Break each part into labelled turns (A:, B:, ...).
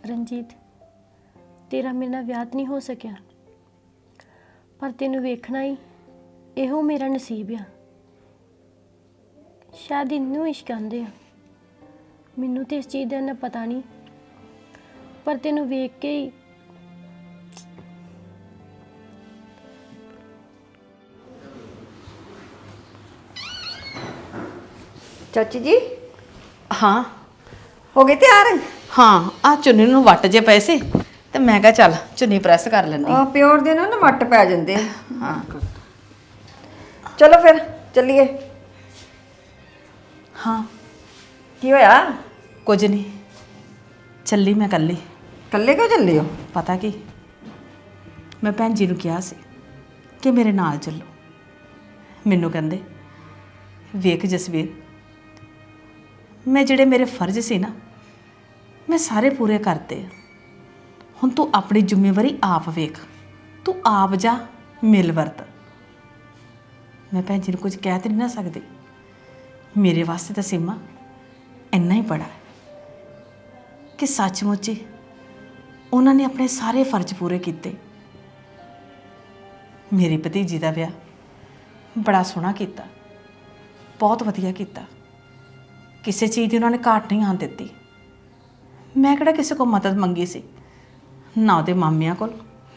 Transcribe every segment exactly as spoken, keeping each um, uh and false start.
A: ਰਣਜੀਤ, ਤੇਰਾ ਮੇਰੇ ਨਾਲ ਵਿਆਹ ਨਹੀਂ ਹੋ ਸਕਿਆ, ਪਰ ਤੈਨੂੰ ਵੇਖਣਾ ਹੀ ਇਹੋ ਮੇਰਾ ਨਸੀਬ ਆ। ਸ਼ਾਇਦ ਇਹਨੂੰ ਇਸ਼ਕ ਕਹਿੰਦੇ ਆ। ਮੈਨੂੰ ਤੇ ਇਸ ਚੀਜ਼ ਦਾ ਨਾ ਪਤਾ ਨਹੀਂ, ਪਰ ਤੈਨੂੰ ਵੇਖ ਕੇ ਹੀ
B: ਚਾਚੀ ਜੀ
C: ਹਾਂ
B: ਹੋ ਗਏ ਤਿਆਰ?
C: ਹਾਂ ਆ ਚੁੰਨੀ ਨੂੰ ਵੱਟ ਜੇ ਪਏ ਸੀ ਤੇ ਮੈਂ ਕਿਹਾ ਚੱਲ ਚੁੰਨੀ ਪ੍ਰੈਸ ਕਰ ਲੈਂਦੀ।
B: ਆ ਪਿਓਰ ਦੇ ਨਾ ਨਾ ਵੱਟ ਪੈ ਜਾਂਦੇ ਆ।
C: ਹਾਂ
B: ਚਲੋ ਫਿਰ ਚੱਲੀਏ।
C: ਹਾਂ
B: ਕੀ ਹੋਇਆ?
C: ਕੁਝ ਨਹੀਂ, ਚੱਲੀ ਮੈਂ ਕੱਲੀ।
B: ਇਕੱਲੇ ਕਿਉਂ ਚੱਲੇ ਹੋ?
C: ਪਤਾ ਕੀ, ਮੈਂ ਭੈਣ ਜੀ ਨੂੰ ਕਿਹਾ ਸੀ ਕਿ ਮੇਰੇ ਨਾਲ ਚੱਲੋ। ਮੈਨੂੰ ਕਹਿੰਦੇ ਵੇਖ ਜਸਵੀਰ, ਮੈਂ ਜਿਹੜੇ ਮੇਰੇ ਫਰਜ਼ ਸੀ ਨਾ ਮੈਂ ਸਾਰੇ ਪੂਰੇ ਕਰਤੇ। ਹੁਣ ਤੂੰ ਆਪਣੀ ਜ਼ਿੰਮੇਵਾਰੀ ਆਪ ਵੇਖ, ਤੂੰ ਆਪ ਜਾ ਮਿਲ ਵਰਤ। ਮੈਂ ਭੈਣ ਜੀ ਨੂੰ ਕੁਝ ਕਹਿ ਤੇ ਨਹੀਂ ਨਾ ਸਕਦੀ। ਮੇਰੇ ਵਾਸਤੇ ਤਾਂ ਸੀਮਾ ਇੰਨਾ ਹੀ ਬੜਾ ਹੈ ਕਿ ਸੱਚਮੁੱਚ ਹੀ ਉਹਨਾਂ ਨੇ ਆਪਣੇ ਸਾਰੇ ਫਰਜ਼ ਪੂਰੇ ਕੀਤੇ। ਮੇਰੀ ਭਤੀਜੀ ਦਾ ਵਿਆਹ ਬੜਾ ਸੋਹਣਾ ਕੀਤਾ, ਬਹੁਤ ਵਧੀਆ ਕੀਤਾ। ਕਿਸੇ ਚੀਜ਼ ਦੀ ਉਹਨਾਂ ਨੇ ਘਾਟ ਨਹੀਂ ਆਉਣ ਦਿੱਤੀ। ਮੈਂ ਕਿਹੜਾ ਕਿਸੇ ਕੋਲ ਮਦਦ ਮੰਗੀ ਸੀ, ਨਾ ਉਹਦੇ ਮਾਮਿਆਂ ਕੋਲ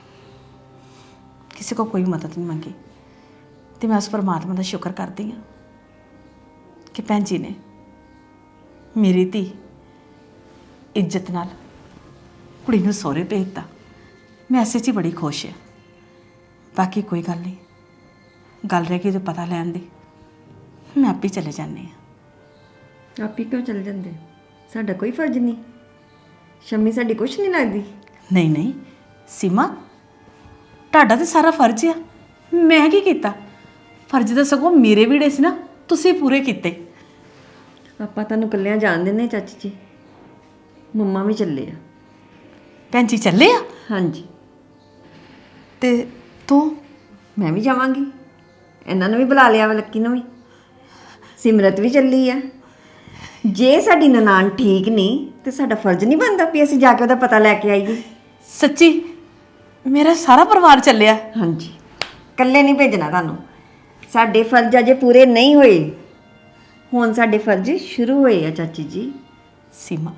C: ਕਿਸੇ ਕੋਲ ਕੋਈ ਮਦਦ ਨਹੀਂ ਮੰਗੀ। ਤੇ ਮੈਂ ਉਸ ਪਰਮਾਤਮਾ ਦਾ ਸ਼ੁਕਰ ਕਰਦੀ ਹਾਂ ਕਿ ਭੈਣ ਜੀ ਨੇ ਮੇਰੀ ਧੀ ਇੱਜ਼ਤ ਨਾਲ ਕੁੜੀ ਨੂੰ ਸਹੁਰੇ ਭੇਜਤਾ। ਮੈਂ ਐਸੇ 'ਚ ਹੀ ਬੜੀ ਖੁਸ਼ ਹਾਂ। ਬਾਕੀ ਕੋਈ ਗੱਲ ਨਹੀਂ, ਗੱਲ ਰਹਿ ਗਈ ਤੇ ਪਤਾ ਲੈਣ ਦੀ, ਮੈਂ ਆਪੇ ਚਲੇ ਜਾਂਦੀ ਹਾਂ।
B: ਆਪੀ ਕਿਉਂ ਚੱਲ ਜਾਂਦੇ? ਸਾਡਾ ਕੋਈ ਫਰਜ਼ ਨਹੀਂ? ਸ਼ੰਮੀ ਸਾਡੀ ਕੁਛ ਨਹੀਂ ਲੱਗਦੀ?
C: ਨਹੀਂ ਨਹੀਂ ਸੀਮਾ, ਤੁਹਾਡਾ ਤਾਂ ਸਾਰਾ ਫਰਜ਼ ਆ। ਮੈਂ ਕੀ ਕੀਤਾ? ਫਰਜ਼ ਤਾਂ ਸਗੋਂ ਮੇਰੇ ਵੀੜੇ ਸੀ ਨਾ, ਤੁਸੀਂ ਪੂਰੇ ਕੀਤੇ।
B: ਆਪਾਂ ਤੁਹਾਨੂੰ ਇਕੱਲਿਆਂ ਜਾਣ ਦਿੰਦੇ ਚਾਚੀ ਜੀ, ਮੰਮਾ ਵੀ ਚੱਲੇ ਆ।
C: ਭੈਣ ਜੀ ਚੱਲੇ ਆ?
B: ਹਾਂਜੀ।
C: ਤੇ ਤੂੰ?
B: ਮੈਂ ਵੀ ਜਾਵਾਂਗੀ, ਇਹਨਾਂ ਨੂੰ ਵੀ ਬੁਲਾ ਲਿਆ ਵਾ, ਲੱਕੀ ਨੂੰ ਵੀ। ਸਿਮਰਤ ਵੀ ਚੱਲੀ ਆ। ਜੇ ਸਾਡੀ ਨਨਾਣ ਠੀਕ ਨਹੀਂ ਤੇ ਸਾਡਾ ਫਰਜ਼ ਨਹੀਂ ਬਣਦਾ ਵੀ ਅਸੀਂ ਜਾ ਕੇ ਉਹਦਾ ਪਤਾ ਲੈ ਕੇ ਆਈਏ?
C: ਸੱਚੀ ਮੇਰਾ ਸਾਰਾ ਪਰਿਵਾਰ ਚੱਲਿਆ?
B: ਹਾਂਜੀ, ਇਕੱਲੇ ਨਹੀਂ ਭੇਜਣਾ ਤੁਹਾਨੂੰ। ਸਾਡੇ ਫਰਜ਼ ਅਜੇ ਪੂਰੇ ਨਹੀਂ ਹੋਏ, ਹੁਣ ਸਾਡੇ ਫਰਜ਼ ਸ਼ੁਰੂ ਹੋਏ ਆ ਚਾਚੀ ਜੀ।
C: ਸੀਮਾ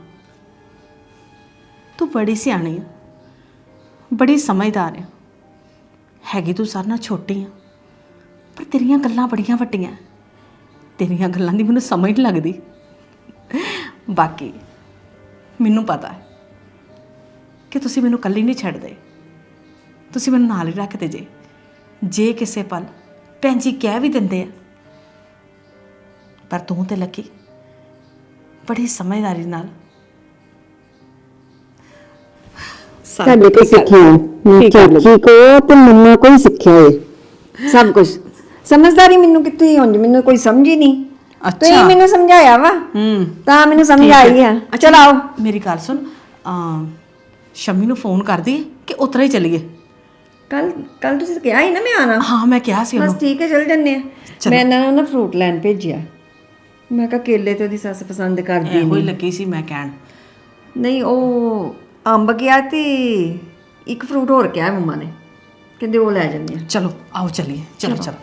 C: ਤੂੰ ਬੜੀ ਸਿਆਣੀ ਆ, ਬੜੀ ਸਮਝਦਾਰ ਆ। ਹੈਗੀ ਤੂੰ ਸਾਰਿਆਂ ਨਾਲੋਂ ਛੋਟੀ ਆ, ਪਰ ਤੇਰੀਆਂ ਗੱਲਾਂ ਬੜੀਆਂ ਵੱਡੀਆਂ। ਤੇਰੀਆਂ ਗੱਲਾਂ ਦੀ ਮੈਨੂੰ ਸਮਝ ਨਹੀਂ ਲੱਗਦੀ। ਬਾਕੀ ਮੈਨੂੰ ਪਤਾ ਹੈ ਕਿ ਤੁਸੀਂ ਮੈਨੂੰ ਇਕੱਲੀ ਨਹੀਂ ਛੱਡਦੇ, ਤੁਸੀਂ ਮੈਨੂੰ ਨਾਲ ਹੀ ਰੱਖਦੇ ਜੇ। ਜੇ ਕਿਸੇ ਪਲ ਭੈਣ ਜੀ ਕਹਿ ਵੀ ਦਿੰਦੇ ਆ, ਪਰ ਤੂੰ ਤੇ ਲੱਕੀ ਬੜੀ ਸਮਝਦਾਰੀ ਨਾਲ
B: ਸਾਡੇ ਕੋਲ ਸਿੱਖਿਆ, ਚਾਚੀ ਕੋ ਤੇ ਮੰਮਾ ਕੋਈ ਸਿੱਖਿਆ ਹੈ ਸਭ ਕੁਝ। ਸਮਝਦਾਰੀ ਮੈਨੂੰ ਕਿੱਥੇ ਉਂਝ ਮੈਨੂੰ ਕੋਈ ਸਮਝ ਹੀ ਨਹੀਂ। ਤੁਸੀਂ ਮੈਨੂੰ ਸਮਝਾਇਆ ਵਾ
C: ਹੂੰ
B: ਤਾਂ ਮੈਨੂੰ ਸਮਝ ਆਈ ਆ। ਚਲ ਆਓ।
C: ਮੇਰੀ ਗੱਲ ਸੁਣ, ਸ਼ਮੀ ਨੂੰ ਫੋਨ ਕਰਦੀ ਕਿ ਉਤਰਾ ਹੀ ਚੱਲੀਏ?
B: ਕੱਲ ਕੱਲ ਤੁਸੀਂ ਕਿਹਾ ਸੀ ਨਾ ਮੈਂ ਆਣਾ।
C: ਹਾਂ ਮੈਂ ਕਿਹਾ ਸੀ ਉਹਨੂੰ।
B: ਬਸ ਠੀਕ ਹੈ, ਚੱਲ ਜੰਨੇ ਆ। ਮੈਂ ਇਹਨਾਂ ਨੂੰ ਨਾ ਫਰੂਟ ਲੈਣ ਭੇਜਿਆ। ਮੈਂ ਕਿਹਾ ਕੇਲੇ ਤੇ ਉਹਦੀ ਸੱਸ ਪਸੰਦ ਕਰਦੀ
C: ਇਹੋ ਹੀ ਲੱਗੀ ਸੀ ਮੈਂ ਕਹਿਣ।
B: ਨਹੀਂ, ਉਹ ਅੰਬ ਗਿਆ ਤੇ ਇੱਕ ਫਰੂਟ ਹੋਰ ਕਿਹਾ ਮੰਮਾ ਨੇ, ਕਹਿੰਦੇ ਉਹ ਲੈ ਜਾਂਦੇ ਆ।
C: ਚਲੋ ਆਓ ਚੱਲੀਏ, ਚਲੋ ਚਲੋ।